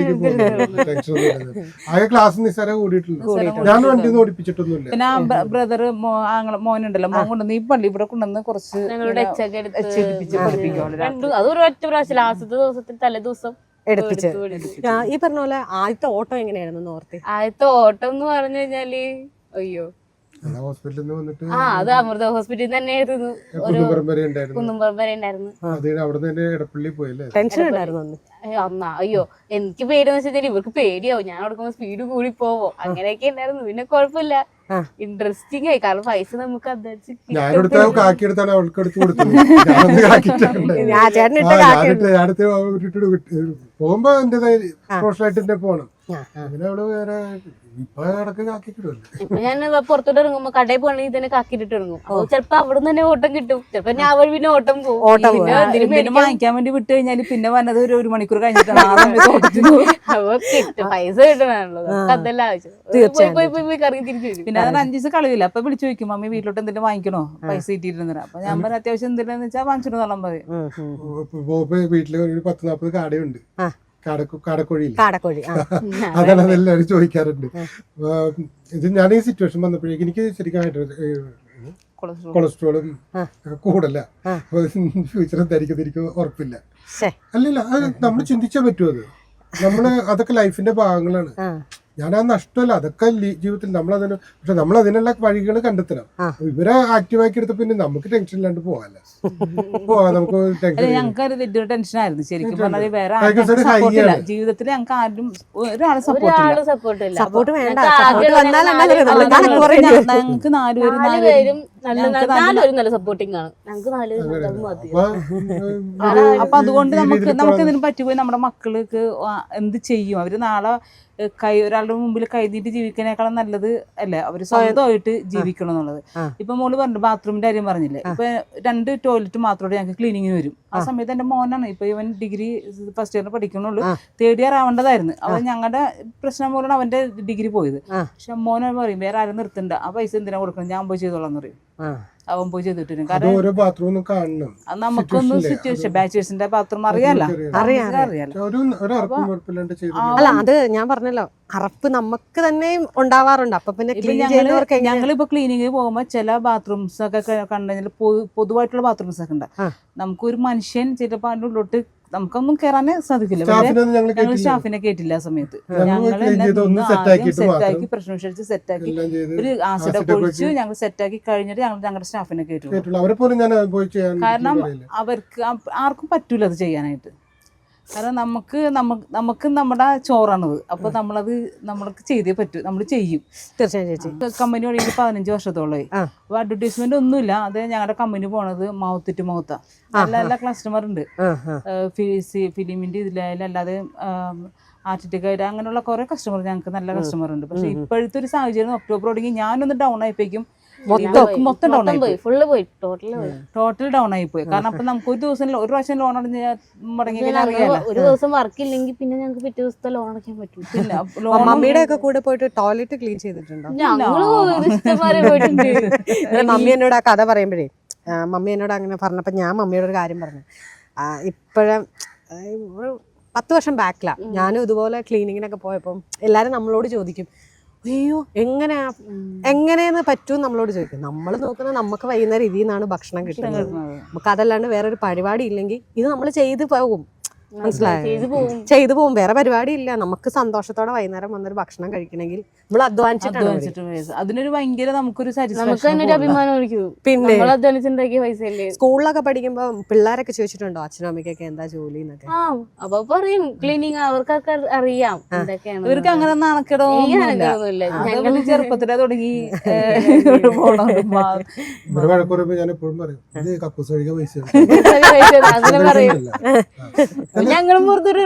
Speaker 2: ആകെ ക്ലാസ് നിസ്സാര കൂടിയിട്ടുണ്ട്. ഞാൻ വണ്ടി ഒന്നും ഓടിപ്പിച്ചിട്ടൊന്നുമില്ല.
Speaker 3: പിന്നെ ആ ബ്രദർ മോനുണ്ടല്ലോ, മോൻ കൊണ്ടുവന്ന് ഈ പള്ളി ഇവിടെ കൊണ്ടുവന്ന് കുറച്ച്
Speaker 1: പഠിപ്പിക്കും. അത് ഒരു ഒറ്റ പ്രാവശ്യം ലാസ്റ്റത്തെ ദിവസത്തിൽ തലേ ദിവസം
Speaker 4: എടുപ്പിച്ച്. ഈ പറഞ്ഞ പോലെ ആദ്യത്തെ ഓട്ടം എങ്ങനെയായിരുന്നു ഓർത്തി?
Speaker 1: ആദ്യത്തെ ഓട്ടം എന്ന് പറഞ്ഞു കഴിഞ്ഞാല് അയ്യോ ആ അത് അമൃത ഹോസ്പിറ്റലിൽ തന്നെ ആയിരുന്നു. കുന്നുംപുറം വരെ ഉണ്ടായിരുന്നു.
Speaker 4: ടെൻഷൻ ഉണ്ടായിരുന്നു
Speaker 1: അന്നാ. അയ്യോ എനിക്ക് പേടിയെന്ന് വെച്ചാൽ ഇവർക്ക് പേടിയാവും, ഞാൻ കൊടുക്കുമ്പോ സ്പീഡ് കൂടി പോവോ, അങ്ങനെയൊക്കെ ഉണ്ടായിരുന്നു. പിന്നെ കുഴപ്പമില്ല, ഇൻട്രസ്റ്റിംഗ് ആയി. കാരണം പൈസ നമുക്ക്
Speaker 2: പോകുമ്പോ എന്റേതായ പ്രൊഫഷണലായിട്ട് പോണം. അങ്ങനെ അവള് വേറെ ഇപ്പൊ ഇടക്ക് കാക്കിക്കിടുമല്ലോ.
Speaker 1: ഇപ്പൊ ഞാൻ പുറത്തോട്ട് ഇറങ്ങുമ്പോ കടയിൽ പോകണമെങ്കിൽ തന്നെ കാക്കിട്ട് ഇറങ്ങും. അപ്പൊ ചിലപ്പോ അവിടെ നിന്ന് തന്നെ ഓട്ടം കിട്ടും, ചിലപ്പോ ഞാൻ വഴി പിന്നെ ഓട്ടം പോകും.
Speaker 3: വാങ്ങിക്കാൻ വേണ്ടി വിട്ട് കഴിഞ്ഞാല് പിന്നെ വന്നത് ഒരു ഒരു മണിക്കൂർ കഴിഞ്ഞിട്ടാണ്.
Speaker 1: അപ്പൊ കിട്ടും, പൈസ കിട്ടണല്ലോ, അതെല്ലാം ആവശ്യം. കറങ്ങി തിരിച്ചു വരും.
Speaker 3: പിന്നെ അത് അഞ്ചു ദിവസം കളയില്ല. അപ്പൊ വിളിച്ചു ചോദിക്കും, മമ്മി വീട്ടിലോട്ട് എന്തെങ്കിലും വാങ്ങിക്കണോ, പൈസ കിട്ടിയിരുന്നില്ല. അപ്പൊ ഞാൻ പറഞ്ഞ അത്യാവശ്യം എന്തെങ്കിലും വെച്ചാൽ വാങ്ങിച്ചിട്ട് മതി.
Speaker 2: വീട്ടില് ഒരു പത്ത് നാപ്പത് കാടയുണ്ട്, കാടക്കോഴി.
Speaker 4: കാടക്കോഴി
Speaker 2: അതാണ് അതെല്ലാവരും ചോദിക്കാറുണ്ട്. ഇത് ഞാൻ ഈ സിറ്റുവേഷൻ വന്നപ്പോഴേക്കും എനിക്ക് ശരിക്കും
Speaker 3: കൊളസ്ട്രോൾ
Speaker 2: കൊളസ്ട്രോളും കൂടല്ല. അപ്പൊ ഫ്യൂച്ചർ എന്തായിരിക്കും എനിക്ക് ഉറപ്പില്ല. അല്ലല്ല, അത് നമ്മൾ ചിന്തിച്ചാൽ പറ്റുമോ? അത് നമ്മള് അതൊക്കെ ലൈഫിന്റെ ഭാഗങ്ങളാണ്. ഞാൻ ആ നഷ്ടമല്ല, അതൊക്കെ ജീവിതത്തിൽ നമ്മളതിന്, പക്ഷെ നമ്മൾ അതിനുള്ള വഴികൾ കണ്ടെത്തണം. ഇവരെ ആക്റ്റീവാക്കി എടുത്ത പിന്നെ നമുക്ക് ടെൻഷൻ ഇല്ലാണ്ട് പോകാല്ല. പോവാ നമുക്ക്
Speaker 3: ഞങ്ങൾക്ക് അത് വലിയൊരു ടെൻഷനായിരുന്നു ശരിക്കും പറഞ്ഞാൽ. വേറെ സപ്പോർട്ടില്ല ജീവിതത്തിൽ, ഞങ്ങൾക്ക് ആരും ഒരാളെ സപ്പോർട്ട്
Speaker 1: സപ്പോർട്ട് ഇല്ല.
Speaker 4: സപ്പോർട്ട് വേണ്ട,
Speaker 3: ഞങ്ങൾക്ക് നാലുപേരും
Speaker 1: നാലുപേരും നാലുപേരും നല്ല സപ്പോർട്ടിങ് ആണ്. ഞങ്ങൾക്ക് നാലുപേരും മതി.
Speaker 3: അപ്പൊ അതുകൊണ്ട് നമുക്ക് നമുക്ക് ഇതിന് പറ്റിപ്പോയി നമ്മുടെ മക്കൾക്ക് എന്ത് ചെയ്യും? അവര് നാളെ കൈ ഒരാളുടെ മുമ്പിൽ കൈനീട്ടി ജീവിക്കുന്നതിനേക്കാളും നല്ലത് അല്ലേ അവര് സ്വന്തമായിട്ട് ജീവിക്കണം എന്നുള്ളത്. ഇപ്പൊ മോള് പറഞ്ഞു ബാത്റൂമിന്റെ കാര്യം പറഞ്ഞില്ലേ, ഇപ്പൊ രണ്ട് ടോയ്ലറ്റ് മാത്രമേ ഞങ്ങൾക്ക് ക്ലീനിങ്ങിന് വരും. ആ സമയത്ത് എന്റെ മോനാണ്, ഇപ്പൊ ഇവൻ ഡിഗ്രി ഫസ്റ്റ് ഇയറിന് പഠിക്കണുള്ളൂ, തേർഡ് ഇയർ ആവേണ്ടതായിരുന്നു. അവൻ ഞങ്ങളുടെ പ്രശ്നം പോലാണ് അവന്റെ ഡിഗ്രി പോയത്. പക്ഷെ മോനെ പറയും വേറെ ആരും നിർത്തണ്ട, ആ പൈസ എന്തിനാ കൊടുക്കണം, ഞാൻ പോയി ചെയ്തോളാം എന്ന് പറയും. അവൻ പോയി ചെയ്തിട്ട് വരും. കാരണം നമുക്കൊന്നും സിറ്റുവേഷൻ ബാച്ചേഴ്സിന്റെ ബാത്റൂം അറിയാലോ അറിയാലോ
Speaker 4: അല്ല, അത് ഞാൻ പറഞ്ഞല്ലോ, അറപ്പ് നമുക്ക് തന്നെ ഉണ്ടാവാറുണ്ട്. അപ്പൊ പിന്നെ
Speaker 3: ഞങ്ങളിപ്പോ ക്ലീനിങ്ങിന് പോകുമ്പോ ചില ബാത്റൂംസ് ഒക്കെ കണ്ടുകഴിഞ്ഞാൽ പൊതുവായിട്ടുള്ള ബാത്റൂംസ് ഒക്കെ ഉണ്ട്. നമുക്കൊരു മനുഷ്യൻ ചിലപ്പോ അതിൻ്റെ ഉള്ളിലോട്ട് നമുക്കൊന്നും കയറാനേ സാധിക്കില്ല. ഞങ്ങൾ സ്റ്റാഫിനെ കേട്ടില്ല ആ സമയത്ത്. ഞങ്ങൾ സെറ്റാക്കി പ്രശ്നം വിഷയിച്ച് സെറ്റാക്കി ഒരു ആസിഡൊക്കെ ഒഴിച്ച് ഞങ്ങൾ സെറ്റാക്കി കഴിഞ്ഞിട്ട് ഞങ്ങൾ ഞങ്ങളുടെ സ്റ്റാഫിനെ കേട്ടു. കാരണം അവർക്ക് ആർക്കും പറ്റൂല അത് ചെയ്യാനായിട്ട്. കാരണം നമുക്ക് നമുക്ക് നമുക്ക് നമ്മുടെ ചോറാണത്. അപ്പൊ നമ്മളത് നമ്മൾക്ക് ചെയ്തേ പറ്റൂ, നമ്മൾ ചെയ്യും.
Speaker 4: തീർച്ചയായും
Speaker 3: കമ്പനി തുടങ്ങിയിട്ട് പതിനഞ്ച് വർഷത്തോളമായി. അപ്പൊ അഡ്വർടൈസ്മെന്റ് ഒന്നുമില്ല. അത് ഞങ്ങളുടെ കമ്പനി പോണത് മൗത്ത് ടു മൗത്താ. നല്ല നല്ല കസ്റ്റമർ ഉണ്ട്. ഫിലിമിന്റെ ഇതിലായാലും അല്ലാതെ ആർട്ടിസ്റ്റിക്കായിട്ട് അങ്ങനെയുള്ള കുറെ കസ്റ്റമർ ഞങ്ങൾക്ക് നല്ല കസ്റ്റമർ ഉണ്ട്. പക്ഷെ ഇപ്പോഴത്തെ ഒരു സാഹചര്യം ഒക്ടോബർ തുടങ്ങി ഞാനൊന്ന് ഡൗൺ ആയിപ്പോയിക്കും മൊത്തം ഡൗൺ ആയി പോയി, ഫുള്ള് പോയി, ടോട്ടൽ ഡൗൺ ആയി പോയി. കാരണം അപ്പൊ നമുക്ക് ഒരു ദിവസം ഒരു പ്രാവശ്യം ലോൺ അടഞ്ഞ മുടങ്ങി അറിയാലോ.
Speaker 1: ഒരു ദിവസം വർക്ക് ഇല്ലെങ്കിൽ പിന്നെ ഞങ്ങൾക്ക് പിറ്റേ ദിവസത്തെ ലോൺ അടയ്ക്കാൻ പറ്റും.
Speaker 3: പിന്നെ
Speaker 4: മമ്മിയുടെ ഒക്കെ കൂടെ പോയിട്ട് ടോയ്ലറ്റ് ക്ലീൻ ചെയ്തിട്ടുണ്ടോ?
Speaker 1: പോയിട്ടുണ്ട്.
Speaker 4: മമ്മി എന്നോട് ആ കഥ പറയുമ്പോഴേ മമ്മി എന്നോട് അങ്ങനെ പറഞ്ഞപ്പോ ഞാൻ മമ്മിയോട് ഒരു കാര്യം പറഞ്ഞു. ഇപ്പോഴും പത്ത് വർഷം ബാക്കിലാണ് ഞാനും ഇതുപോലെ ക്ലീനിങ്ങിനൊക്കെ പോയപ്പം എല്ലാരും നമ്മളോട് ചോദിക്കും, അയ്യോ എങ്ങനെയാ എങ്ങനെയെന്ന് പറ്റും നമ്മളോട് ചോദിക്കും. നമ്മൾ നോക്കുന്നത് നമുക്ക് വൈകുന്നേരം ഇതിൽ നിന്നാണ് ഭക്ഷണം കിട്ടുന്നത്. നമുക്ക് അതല്ലാണ്ട് വേറൊരു പരിപാടി ഇല്ലെങ്കിൽ ഇത് നമ്മൾ ചെയ്ത് പോകും. മനസ്സിലായോ? ചെയ്തു പോകും. വേറെ പരിപാടി ഇല്ല. നമുക്ക് സന്തോഷത്തോടെ വൈകുന്നേരം വന്നൊരു ഭക്ഷണം കഴിക്കണമെങ്കിൽ നമ്മൾ അധ്വാനിച്ചിട്ട്
Speaker 3: അതിനൊരു ഭയങ്കര നമുക്കൊരു
Speaker 4: പിന്നെ സ്കൂളിലൊക്കെ പഠിക്കുമ്പോ പിള്ളേരൊക്കെ ചോദിച്ചിട്ടുണ്ടോ അച്ഛനും അമ്മയ്ക്കൊക്കെ എന്താ ജോലി എന്നൊക്കെ?
Speaker 1: അപ്പൊ പറയും ക്ലീനിങ്, അവർക്കൊക്കെ അറിയാം.
Speaker 3: ഇവർക്ക് അങ്ങനെ നാണക്കേടൊന്നുമില്ല. ഞങ്ങൾ ചെറുപ്പത്തിലേ തുടങ്ങി
Speaker 2: ഞാൻ എപ്പോഴും പറയും
Speaker 1: അങ്ങനെ പറയും. ഞങ്ങളും പുറത്തൊരു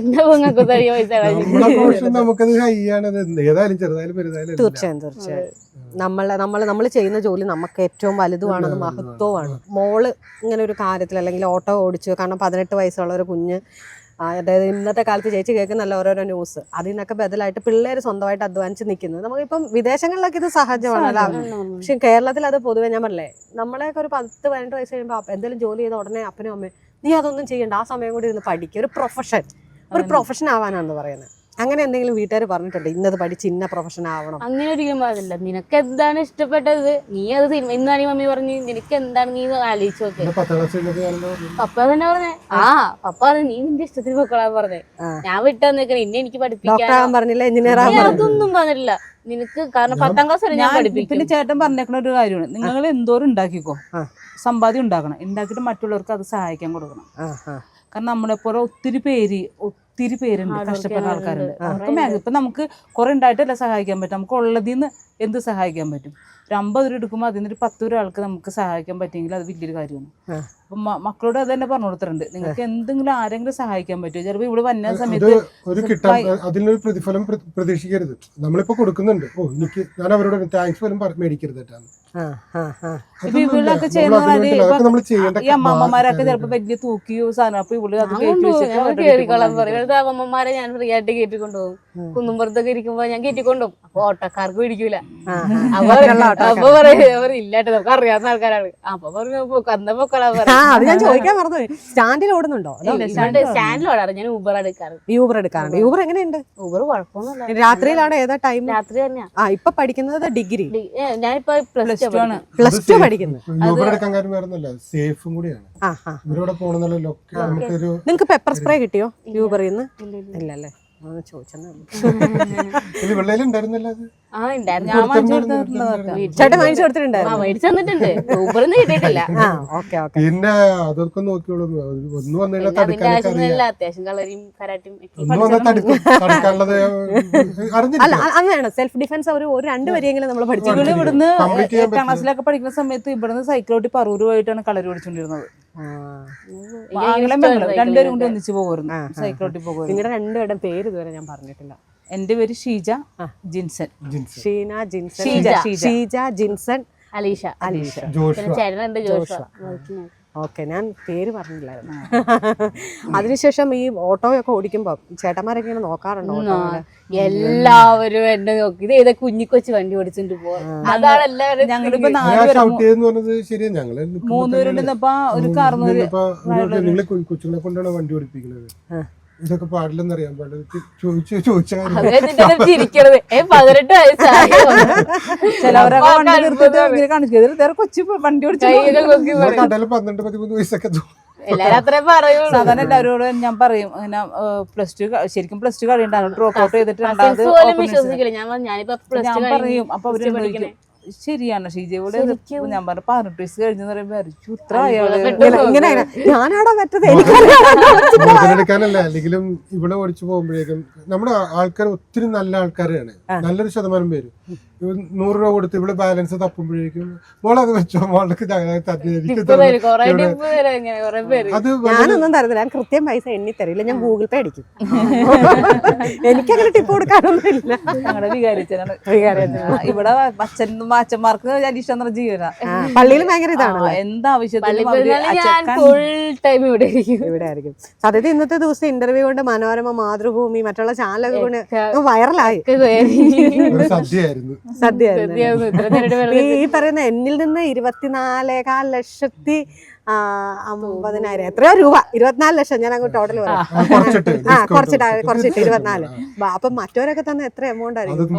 Speaker 2: നമുക്കത് ഹൈയാണത് ഏതായാലും ചെറുതായാലും വലുതായാലും.
Speaker 4: തീർച്ചയായും തീർച്ചയായും നമ്മളെ നമ്മൾ നമ്മൾ ചെയ്യുന്ന ജോലി നമുക്ക് ഏറ്റവും വലുതുമാണ്, അത് മഹത്വമാണ്. മോള് ഇങ്ങനെ ഒരു കാര്യത്തിൽ അല്ലെങ്കിൽ ഓട്ടോ ഓടിച്ചു, കാരണം പതിനെട്ട് വയസ്സുള്ള ഒരു കുഞ്ഞ്, അതായത് ഇന്നത്തെ കാലത്ത് ചേച്ചി കേൾക്കുന്നല്ല ഓരോരോ ന്യൂസ്, അതിൽ നിന്നൊക്കെ ബദലായിട്ട് പിള്ളേർ സ്വന്തമായിട്ട് അധ്വാനിച്ച് നിൽക്കുന്നത്. നമുക്കിപ്പം വിദേശങ്ങളിലൊക്കെ ഇത് സഹജമാണല്ലോ. പക്ഷെ കേരളത്തിൽ അത് പൊതുവെ ഞാൻ പറഞ്ഞില്ലേ, നമ്മളെയൊക്കെ ഒരു പത്ത് പതിനെട്ട് വയസ്സ് കഴിയുമ്പോൾ എന്തെങ്കിലും ജോലി ചെയ്ത ഉടനെ അപ്പനും അമ്മയും നീ അതൊന്നും ചെയ്യണ്ട, ആ സമയം കൂടി ഇരുന്ന് പഠിക്കുക, ഒരു പ്രൊഫഷൻ ഒരു പ്രൊഫഷൻ ആവാനാണെന്ന് പറയുന്നത്. അങ്ങനെ എന്തെങ്കിലും വീട്ടുകാർ പറഞ്ഞിട്ടുണ്ട് ഇന്നത് പഠിച്ച് ഇന്ന പ്രൊഫഷൻ ആവണം?
Speaker 1: അങ്ങനെ ഒരിക്കലും പറഞ്ഞില്ല. നിനക്ക് എന്താണ് ഇഷ്ടപ്പെട്ടത് നീ അത് ഇന്നാണ് ഈ മമ്മി പറഞ്ഞു നിനക്ക് എന്താണ് നീ ആലോചിച്ച് നോക്ക്. പപ്പ തന്നെ പറഞ്ഞേ, ആ പപ്പ പറഞ്ഞു നീ നിന്റെ ഇഷ്ടത്തിന് പൊക്കളാൻ പറഞ്ഞേ, ഞാൻ വിട്ടാ നിൽക്കണം, ഇന്നെ എനിക്ക് പഠിപ്പിക്കാൻ
Speaker 4: പറഞ്ഞില്ല, എഞ്ചിനീയർ
Speaker 1: അതൊന്നും പറഞ്ഞില്ല നിനക്ക്. കാരണം പത്താം ക്ലാസ് വരെ ഞാൻ പഠിപ്പിക്കും.
Speaker 3: പിന്നെ ചേട്ടൻ പറഞ്ഞേക്കണ ഒരു കാര്യമാണ്, നിങ്ങൾ എന്തോരം ഉണ്ടാക്കിക്കോ, സമ്പാദ്യം ഉണ്ടാക്കണം, ഉണ്ടാക്കിയിട്ട് മറ്റുള്ളവർക്ക് അത് സഹായിക്കാൻ കൊടുക്കണം. കാരണം നമ്മളെപ്പോലെ ഒത്തിരി പേര് ഒത്തിരി പേരുണ്ട്, കഷ്ടപ്പെടുന്ന ആൾക്കാരുണ്ട്. നമുക്ക് ഇപ്പൊ നമുക്ക് കുറെ ഉണ്ടായിട്ടല്ല സഹായിക്കാൻ പറ്റും, നമുക്ക് ഉള്ളതിൽ നിന്ന് എന്ത് സഹായിക്കാൻ പറ്റും. ഒരു അമ്പത് രൂപ എടുക്കുമ്പോൾ അതിൽ നിന്നൊരു പത്ത് രൂപ ആൾക്ക് നമുക്ക് സഹായിക്കാൻ പറ്റുമെങ്കിൽ അത് വലിയൊരു കാര്യമാണ്. അപ്പൊ മക്കളോട് അത് തന്നെ പറഞ്ഞു കൊടുത്തിട്ടുണ്ട്, നിങ്ങൾക്ക് എന്തെങ്കിലും ആരെങ്കിലും സഹായിക്കാൻ പറ്റുമോ? ചിലപ്പോൾ ഇവിടെ വന്ന സമയത്ത്
Speaker 2: ഒരു കിട്ടാൻ അതിനൊരു പ്രതിഫലം പ്രതീക്ഷിക്കരുത്. നമ്മളിപ്പോ കൊടുക്കുന്നുണ്ട്, ഓ എനിക്ക് ഞാൻ അവരോട് താങ്ക്സ് പോലും മേടിക്കരുത്.
Speaker 3: ഇപ്പൊ ഇവിടെയൊക്കെ ചെയ്യുന്ന ഈ അമ്മമാരൊക്കെ ചിലപ്പോ വലിയ തൂക്കിയോ സാധനം, അപ്പൊ ഇവിടെ അത്
Speaker 1: കേട്ടിക്കോളാൻ പറയും. ഇവിടുത്തെ അമ്മമാരെ ഞാൻ ഫ്രീ ആയിട്ട് കയറ്റിക്കൊണ്ടുപോകും. കുന്നുംപുറത്തൊക്കെ ഇരിക്കുമ്പോ ഞാൻ കയറ്റിക്കൊണ്ടുപോകും. അപ്പൊ ഓട്ടോക്കാർക്ക് പിടിക്കൂല. അപ്പൊ പറയും ഇല്ലാട്ടെ നമുക്ക് അറിയാവുന്ന ആൾക്കാരാണ്. അപ്പൊ പറഞ്ഞു അന്ന പൊക്കളാൻ
Speaker 4: ഞാൻ ചോദിക്കാൻ മറന്നു, സ്റ്റാൻഡിൽ ഓടുന്നുണ്ടോ?
Speaker 1: സ്റ്റാൻഡിൽ ഓടാറ്, ഞാൻ ഊബർ എടുക്കാറ്.
Speaker 4: യൂബർ എടുക്കാറുണ്ട്. യൂബർ എങ്ങനെയുണ്ട്?
Speaker 1: ഊബർ കുഴപ്പമൊന്നുമില്ല.
Speaker 4: രാത്രിയിലാണ്? ഏതാ ടൈം?
Speaker 1: രാത്രി തന്നെയാ.
Speaker 4: ആ ഇപ്പൊ പഠിക്കുന്നത് ഡിഗ്രി?
Speaker 1: ഞാനിപ്പോ പ്ലസ്
Speaker 3: ആണ്
Speaker 4: പ്ലസ് ടു പഠിക്കുന്നത്.
Speaker 2: യൂബർ എടുക്കാൻ കാര്യം വേറെ ഒന്നുമല്ല, സേഫും കൂടിയാണ്.
Speaker 4: ആ ആ
Speaker 2: ഇവരോടെ പോണെന്നുള്ള ലൊക്കെ നമുക്കൊരു
Speaker 4: നിങ്ങൾക്ക് പെപ്പർ സ്പ്രേ കിട്ടിയോ യൂബറിൽ നിന്ന്? ഇല്ലല്ലേ, ചോദിച്ചെന്നേ
Speaker 2: ഇത് വെള്ളയിൽ ഉണ്ടായിരുന്നല്ലോ അത്.
Speaker 1: ആ ഉണ്ടായിരുന്നു.
Speaker 3: ഞാൻ വാങ്ങിച്ചു കൊടുത്തിട്ടുള്ളതൊക്കെ
Speaker 4: ചേട്ടൻ മേടിച്ചു കൊടുത്തിട്ടുണ്ടായിരുന്നു.
Speaker 1: ആ മേടിച്ചു തന്നിട്ടുണ്ട്. ഊബറിന്ന് കിട്ടിയിട്ടില്ല.
Speaker 4: ആ ഓക്കെ ഓക്കെ.
Speaker 2: പിന്നെ അതൊക്കെ നോക്കിയോളൂ, ഒന്നും വന്നില്ല
Speaker 1: അതിന്റെ
Speaker 2: തടുക്കാനൊക്കെ
Speaker 1: ആവശ്യമൊന്നുമില്ല.
Speaker 2: അറിയാം.
Speaker 1: അത്യാവശ്യം കളരിയും കരാട്ടും ഒക്കെ.
Speaker 2: ഒന്നും വന്നാൽ തടുക്കും, തടുക്കാനുള്ളത് അറിഞ്ഞില്ല.
Speaker 4: അല്ല അ- അങ്ങനെയാണ് സെൽഫ് ഡിഫൻസ് ഒരു ഒരു രണ്ട് വരിയെങ്കിലും നമ്മൾ പഠിച്ചു.
Speaker 3: ഇവള് ഇവിടുന്ന്
Speaker 2: Complete ചെയ്യാൻ
Speaker 3: എട്ടാം ക്ലാസ്സിലൊക്കെ പഠിക്കുന്ന സമയത്ത് ഇവിടുന്ന് സൈക്കിളോട്ടി പറൂര് പോയിട്ടാണ് കളരി ഓടിച്ചോണ്ടിരുന്നത്. ആംഗലം പെങ്ങളും രണ്ടുപേരും കൂടി ഒന്നിച്ച് പോകുമായിരുന്നു, സൈക്കിളോട്ടി പോകുമായിരുന്നു.
Speaker 4: നിങ്ങളുടെ രണ്ടുപേരുടെ പേര് ഇതുവരെ ഞാൻ പറഞ്ഞിട്ടില്ല.
Speaker 3: എന്റെ പേര് ഷീജ ജിൻസൺ.
Speaker 2: ജിൻസ്,
Speaker 4: ഷീന ജിൻസൺ,
Speaker 3: ഷീജ,
Speaker 4: ഷീജ ജിൻസൺ,
Speaker 1: അലീഷ.
Speaker 4: അലീഷ.
Speaker 2: ജോഷുവ.
Speaker 1: പിന്നെ ചേട്ടനുണ്ട് ജോഷുവ.
Speaker 4: ഓക്കെ, ഞാൻ പേര് പറഞ്ഞില്ലായിരുന്നു. അതിനുശേഷം ഈ ഓട്ടോയൊക്കെ ഓടിക്കുമ്പോ ചേട്ടന്മാരൊക്കെ ഇങ്ങനെ നോക്കാറുണ്ടോ? ഓട്ടോയില്?
Speaker 1: എല്ലാവരും എന്നെ നോക്കി ഇത് ഏതാ കുഞ്ഞിക്കൊച്ചു വണ്ടി ഓടിച്ചിട്ട് പോവാ. അതാണ് എല്ലാവരും.
Speaker 3: ഞങ്ങളിപ്പോ നാല്
Speaker 2: ഞാൻ
Speaker 3: പേരും
Speaker 2: ഷൗട്ട് ചെയ്തെന്ന് പറഞ്ഞത് ശരിയാ. ഞങ്ങള്
Speaker 3: മൂന്നുപേരുണ്ടെന്നപ്പോ ഒരു കാർന്നൂര്
Speaker 2: നിങ്ങളെ കൊച്ചുങ്ങളെ കൊണ്ടാണ് വണ്ടി ഓടിപ്പിക്കുന്നത്. ഇതൊക്കെ പാടില്ലെന്ന് അറിയാൻ പാടില്ല. ചോദിച്ചു ചോദിച്ച കാര്യം
Speaker 1: ചിരിക്കണത് ഏ പതിനെട്ട് വയസ്സായി.
Speaker 3: ചിലവരൊക്കെ വണ്ടി നിർത്തിട്ട് ഇങ്ങനെ കാണിച്ചു വേറെ കൊച്ചു വണ്ടി ഓടിച്ചു.
Speaker 2: കടയിൽ പന്ത്രണ്ട് പതിമൂന്ന് വയസ്സൊക്കെ തോന്നും.
Speaker 1: എല്ലാരും അത്രേ പറയുള്ളൂ.
Speaker 3: സാധാരണ എല്ലാവരോടും ഞാൻ പറയും ഇങ്ങനെ പ്ലസ് ടു ശരിക്കും പ്ലസ് ടു കഴിയണ്ടാണ് ഡ്രോപ്പ് ഔട്ട് ചെയ്തിട്ട് രണ്ടാമത്
Speaker 1: പോലും വിശ്വസിക്കില്ല. ഞാൻ ഞാനിപ്പോ പ്ലസ്
Speaker 3: ഞാൻ
Speaker 1: ടു
Speaker 3: പറയും. അപ്പൊ അവര് ചോദിക്കും, ശരിയാണ് ഷീജയോട് ഞാൻ പറഞ്ഞു പതിനെട്ട് വയസ്സ് കഴിഞ്ഞെന്ന് പറയുമ്പോ ഇത്ര അയാള്
Speaker 4: ഇങ്ങനെ ഞാനാടാ പറ്റത്
Speaker 2: എടുക്കാനല്ല. അല്ലെങ്കിലും ഇവിടെ ഓടിച്ചു പോകുമ്പോഴേക്കും നമ്മുടെ ആൾക്കാർ ഒത്തിരി നല്ല ആൾക്കാരാണ്. നല്ലൊരു ശതമാനം പേര് നൂറ് രൂപ കൊടുത്ത് ഇവിടെ ബാലൻസ് തപ്പുമ്പോഴേക്കും മോളത് വെച്ചോ, മോൾക്ക് അത്
Speaker 4: ഞാനൊന്നും തരത്തില്ല. ഞാൻ കൃത്യം പൈസ എണ്ണി തരില്ല, ഞാൻ ഗൂഗിൾ പേ അടിക്കും. എനിക്കങ്ങനെ ടിപ്പ് കൊടുക്കാനൊന്നുമില്ല.
Speaker 3: ഞങ്ങളുടെ വികാരിച്ചനാണ്. ഇവിടെ അച്ഛനും അച്ഛന്മാർക്ക് അലീഷ എന്ന ജീവനാ.
Speaker 4: പള്ളിയിൽ ഭയങ്കര ഇതാണ്.
Speaker 3: എന്താവശ്യത്തിനും
Speaker 1: ഞാൻ ഫുൾ ടൈം ഇവിടെ ഇരിക്കും.
Speaker 4: ഇവിടെ ആയിരിക്കും. സത്യത്തിൽ ഇന്നത്തെ ദിവസം ഇന്റർവ്യൂ കൊണ്ട് മനോരമ, മാതൃഭൂമി, മറ്റുള്ള ചാനലൊക്കെ കൊണ്ട് വൈറലായി.
Speaker 2: സദ്യയായിരുന്നു.
Speaker 4: സദ്യയായിരുന്നു. ഈ പറയുന്ന എന്നിൽ നിന്ന് ഇരുപത്തിനാലേകാൽ ലക്ഷത്തി ആ അമ്പതിനായിരം എത്രയോ രൂപ, ഇരുപത്തിനാല് ലക്ഷം ഞാൻ അങ്ങോട്ട് ടോട്ടൽ പറയാം. ആ കുറച്ചിട്ട് കുറച്ചിട്ട് ഇരുപത്തിനാല്. അപ്പൊ മറ്റവരൊക്കെ തന്നെ എത്ര എമൗണ്ട് ആയിരിക്കും?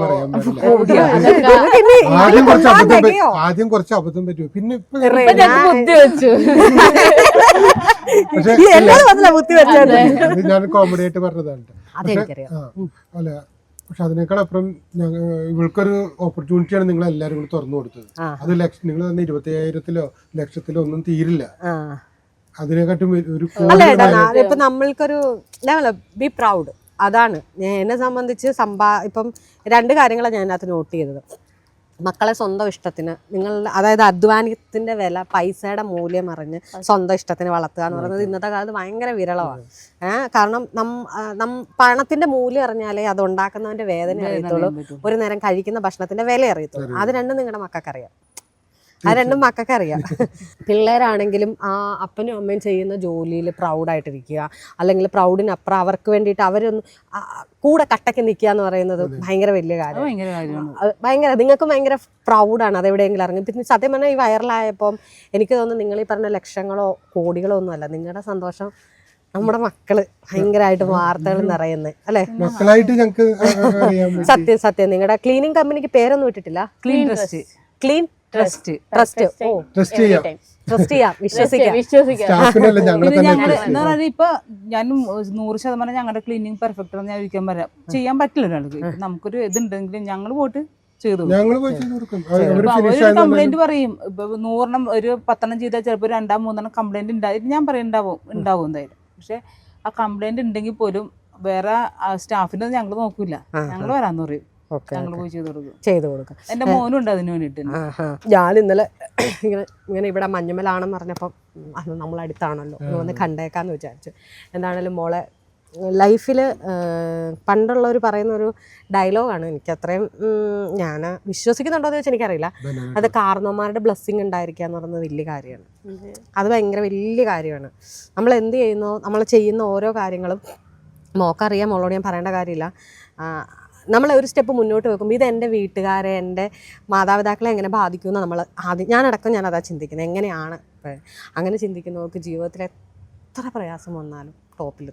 Speaker 2: ആദ്യം കുറച്ച് അബദ്ധം പറ്റുമോ, പിന്നെ
Speaker 1: ബുദ്ധി വെച്ചു.
Speaker 4: ബുദ്ധി വെച്ചത്
Speaker 2: ഞാൻ കോമഡി ആയിട്ട് പറഞ്ഞതാണ്.
Speaker 4: അതെനിക്കറിയാം.
Speaker 2: അല്ല പക്ഷെ അതിനേക്കാളപ്പുറം ഞങ്ങൾ ഇവൾക്കൊരു ഓപ്പർച്യൂണിറ്റിയാണ് നിങ്ങൾ എല്ലാവരും കൂടി തുറന്നു കൊടുത്തത്. അത് ലക്ഷം നിങ്ങൾ തന്നെ ഇരുപത്തി അയ്യായിരത്തിലോ ലക്ഷത്തിലോ ഒന്നും തീരില്ല. അതിനെക്കാട്ടും ഒരു
Speaker 4: ഇപ്പൊ നമ്മൾക്കൊരു ബി പ്രൗഡ്. അതാണ് എന്നെ സംബന്ധിച്ച് സമ്പാ ഇപ്പം രണ്ട് കാര്യങ്ങളാണ് ഞാൻ അതിനകത്ത് നോട്ട് ചെയ്തത്. മക്കളെ സ്വന്തം ഇഷ്ടത്തിന് നിങ്ങളുടെ അതായത് അധ്വാനത്തിന്റെ വില, പൈസയുടെ മൂല്യം അറിഞ്ഞ് സ്വന്തം ഇഷ്ടത്തിന് വളർത്തുക എന്ന് പറയുന്നത് ഇന്നത്തെ കാലത്ത് ഭയങ്കര വിരളമാണ്. ഏഹ് കാരണം നം നം പണത്തിന്റെ മൂല്യം അറിഞ്ഞാലേ അത് ഉണ്ടാക്കുന്നവന്റെ വേദന അറിയത്തുള്ളൂ, ഒരു നേരം കഴിക്കുന്ന ഭക്ഷണത്തിന്റെ വില അറിയത്തുള്ളൂ. അത് രണ്ടും നിങ്ങളുടെ മക്കൾക്കറിയാം. ആ രണ്ടും മക്കൾക്ക് അറിയാം. പിള്ളേരാണെങ്കിലും ആ അപ്പനും അമ്മയും ചെയ്യുന്ന ജോലിയിൽ പ്രൗഡായിട്ടിരിക്കുക, അല്ലെങ്കിൽ പ്രൗഡിനപ്പുറം അവർക്ക് വേണ്ടിയിട്ട് അവരൊന്ന് കൂടെ കട്ടയ്ക്ക് നിൽക്കുക എന്ന് പറയുന്നത് ഭയങ്കര വലിയ കാര്യം. ഭയങ്കര നിങ്ങൾക്ക് ഭയങ്കര പ്രൗഡാണ് അതെവിടെയെങ്കിലും ഇറങ്ങി. പിന്നെ സത്യം പറഞ്ഞാൽ ഈ വൈറലായപ്പം എനിക്ക് തോന്നുന്നു നിങ്ങൾ ഈ പറഞ്ഞ ലക്ഷങ്ങളോ കോടികളോ ഒന്നും അല്ല, നിങ്ങളുടെ സന്തോഷം നമ്മുടെ മക്കള് ഭയങ്കരമായിട്ട് വാർത്തകൾ നിറയുന്നത് അല്ലെ.
Speaker 2: മക്കളായിട്ട് ഞങ്ങൾക്ക്
Speaker 4: സത്യം സത്യം. നിങ്ങളുടെ ക്ലീനിങ് കമ്പനിക്ക് പേരൊന്നും ഇട്ടിട്ടില്ല.
Speaker 3: Clean trust.
Speaker 4: Clean
Speaker 3: trust.
Speaker 4: Trust. ഓ
Speaker 2: ട്രസ്റ്റ് ചെയ്യാം,
Speaker 4: ട്രസ്റ്റ് ചെയ്യാം, വിശ്വസിക്കാം.
Speaker 3: എന്താ പറയുക, ഇപ്പൊ ഞാൻ നൂറ് ശതമാനം ഞങ്ങളുടെ ക്ലീനിങ് പെർഫെക്റ്റ് ഞാൻ ഒരിക്കലും പറയാം ചെയ്യാൻ പറ്റില്ല ഒരാൾക്ക്. നമുക്കൊരു ഇതുണ്ടെങ്കിലും ഞങ്ങൾ പോയിട്ട് ചെയ്തു. ഒരു കംപ്ലൈന്റ് പറയും, ഇപ്പൊ നൂറെണ്ണം ഒരു പത്തെണ്ണം ചെയ്താൽ ചിലപ്പോൾ രണ്ടാം മൂന്നെണ്ണം കംപ്ലൈന്റ് ഉണ്ടാവും. ഞാൻ പറയും ഉണ്ടാവും ഉണ്ടാവും എന്തായാലും. പക്ഷെ ആ കംപ്ലൈന്റ് ഉണ്ടെങ്കിൽ പോലും വേറെ സ്റ്റാഫിനെ ഞങ്ങൾ നോക്കൂല, ഞങ്ങൾ വരാന്ന് പറയും. ഞങ്ങൾ പോയി ചെയ്ത് കൊടുക്കും
Speaker 4: ചെയ്തു കൊടുക്കും.
Speaker 3: എന്റെ മോനും ഉണ്ട് അതിന് വേണ്ടിട്ട്.
Speaker 4: ഞാൻ ഇന്നലെ ഇങ്ങനെ ഇങ്ങനെ ഇവിടെ മഞ്ഞുമലാണെന്ന് പറഞ്ഞപ്പം അത് നമ്മളടുത്താണല്ലോ ഒന്ന് കണ്ടേക്കാന്ന് വിചാരിച്ചു. എന്താണേലും മോളെ ലൈഫിൽ പണ്ടുള്ളവർ പറയുന്നൊരു ഡയലോഗാണ്, എനിക്ക് അത്രയും ഞാൻ വിശ്വസിക്കുന്നുണ്ടോ എന്ന് വെച്ചാൽ എനിക്കറിയില്ല. അത് കാരണവന്മാരുടെ ബ്ലെസ്സിങ് ഉണ്ടായിരിക്കുക എന്ന് പറയുന്നത് വലിയ കാര്യമാണ്. അത് ഭയങ്കര വലിയ കാര്യമാണ്. നമ്മൾ എന്ത് ചെയ്യുന്നോ നമ്മൾ ചെയ്യുന്ന ഓരോ കാര്യങ്ങളും മോക്കറിയാം, മോളോട് ഞാൻ പറയേണ്ട കാര്യമില്ല. നമ്മൾ ഒരു സ്റ്റെപ്പ് മുന്നോട്ട് വെക്കുമ്പോൾ ഇത് എൻ്റെ വീട്ടുകാരെ, എൻ്റെ മാതാപിതാക്കളെ എങ്ങനെ ബാധിക്കുമെന്ന് നമ്മൾ ആദ്യം ഞാനടക്കം ഞാനതാ ചിന്തിക്കുന്നത്. എങ്ങനെയാണ് അങ്ങനെ ചിന്തിക്കുന്നവർക്ക് ജീവിതത്തിൽ എത്ര പ്രയാസം വന്നാലും ടോപ്പിലെത്തും.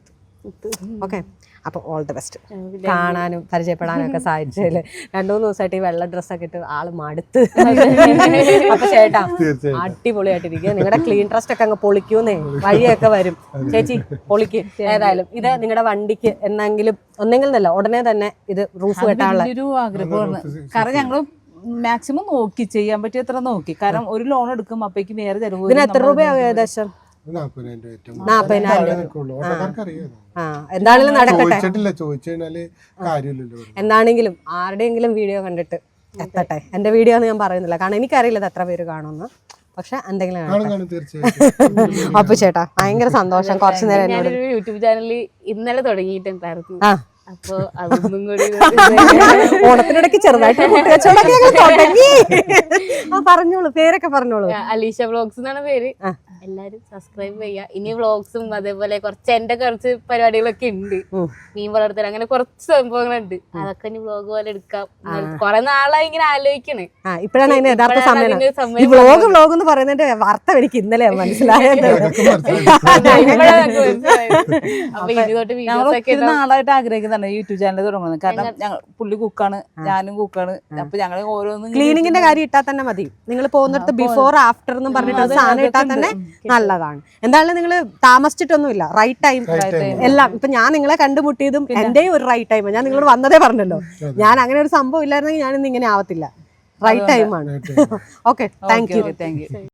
Speaker 4: ഓക്കെ, അപ്പോൾ ഓൾ ദി ബെസ്റ്റ്. കാണാനും പരിചയപ്പെടാനും ഒക്കെ സാധിച്ചതിൽ രണ്ടു മൂന്ന് ദിവസമായിട്ട് ഈ വെള്ള ഡ്രസ്സൊക്കെ ഇട്ട് ആള് മടുത്ത്. അപ്പൊ ചേട്ടാ അടിപൊളിയായിട്ടിരിക്കുക. നിങ്ങളുടെ ക്ലീൻ ട്രസ്റ്റ് ഒക്കെ അങ്ങ് പൊളിക്കൂന്നേ, വഴിയൊക്കെ വരും. ചേച്ചി പൊളിക്ക്. ഏതായാലും ഇത് നിങ്ങളുടെ വണ്ടിക്ക് എന്നെങ്കിലും ഒന്നെങ്കിൽ എന്നല്ല ഉടനെ തന്നെ ഇത് റൂഫ് കെട്ടാനുള്ള
Speaker 3: ഒരു ആഗ്രഹമാണ്. കാരണം ഞങ്ങള് മാക്സിമം നോക്കി ചെയ്യാൻ പറ്റിയ എത്ര നോക്കി. കാരണം ഒരു ലോൺ എടുക്കും അപ്പേക്ക് വേറെ ചെലവ്.
Speaker 4: ഇതിന് എത്ര രൂപയാവും ഏകദേശം? നാപ്പതിനായിരം. ആ എന്താണെങ്കിലും നടക്കട്ടെ. എന്താണെങ്കിലും ആരുടെയെങ്കിലും വീഡിയോ കണ്ടിട്ട് എത്തട്ടെ. എന്റെ വീഡിയോ എന്ന് ഞാൻ പറയുന്നില്ല, കാരണം എനിക്കറിയില്ല ഇത് എത്ര പേര് കാണുമെന്ന്. പക്ഷെ എന്തെങ്കിലും അപ്പൊ ചേട്ടാ ഭയങ്കര സന്തോഷം. കുറച്ചു നേരം
Speaker 1: ഞാനൊരു യൂട്യൂബ് ചാനൽ ഇന്നലെ തുടങ്ങിയിട്ടുണ്ടായിരുന്നു.
Speaker 4: ആ
Speaker 1: അപ്പൊ അതൊന്നും കൂടി
Speaker 4: ഓണത്തിനിടയ്ക്ക് ചെറുതായിട്ട് തുടങ്ങി. ആ പറഞ്ഞോളൂ, പേരൊക്കെ പറഞ്ഞോളൂ.
Speaker 1: അലീഷ വ്ളോഗ്സ് എന്നാണ് പേര്. എല്ലാരും സബ്സ്ക്രൈബ് ചെയ്യാ. ഇനി വ്ളോഗ്സും അതേപോലെ കുറച്ച് എന്റെ കുറച്ച് പരിപാടികളൊക്കെ ഉണ്ട്. മീൻ വളർത്തൽ അങ്ങനെ കുറച്ച് സംഭവങ്ങളുണ്ട്. അതൊക്കെ ഇനി വ്ളോഗ് പോലെ എടുക്കാം. കൊറേ നാളായി ഇങ്ങനെ ആലോചിക്കണേ.
Speaker 4: ആ ഇപ്പോഴാണ് അതിന് യഥാർത്ഥ സമയം. ഈ വ്ളോഗ് വ്ളോഗ് എന്ന് പറയുന്നതിന്റെ അർത്ഥം എനിക്ക് ഇന്നലെ മനസ്സിലായത്.
Speaker 1: അപ്പൊ ഇനി തൊട്ട് വീഡിയോസ് ഒക്കെ
Speaker 3: നാളായിട്ട് ആഗ്രഹിക്കുന്നതാണ് യൂട്യൂബ് ചാനൽ തുടങ്ങുന്നത്. കാരണം ഞങ്ങൾ പുള്ളി കുക്കാണ്, ഞാനും കുക്കാണ്. അപ്പൊ ഞങ്ങൾ ഓരോന്നും
Speaker 4: ക്ലീനിങ്ങിന്റെ കാര്യം ഇട്ടാൽ തന്നെ മതി. നിങ്ങൾ പോകുന്നിടത്ത് ബിഫോർ ആഫ്റ്റർ എന്നും പറഞ്ഞിട്ട് സാധനം ഇട്ടാൽ തന്നെ നല്ലതാണ്. എന്തായാലും നിങ്ങൾ താമസിച്ചിട്ടൊന്നുമില്ല, റൈറ്റ് ടൈം എല്ലാം. ഇപ്പൊ ഞാൻ നിങ്ങളെ കണ്ടുമുട്ടിയതും എന്റെയും ഒരു റൈറ്റ് ടൈം. ഞാൻ നിങ്ങളോട് വന്നതേ പറഞ്ഞല്ലോ, ഞാൻ അങ്ങനെ ഒരു സംഭവം ഇല്ലായിരുന്നെങ്കിൽ ഞാനിന്ന് ഇങ്ങനെ ആവത്തില്ല. റൈറ്റ് ടൈമാണ്. Okay, thank you.
Speaker 3: Thank U.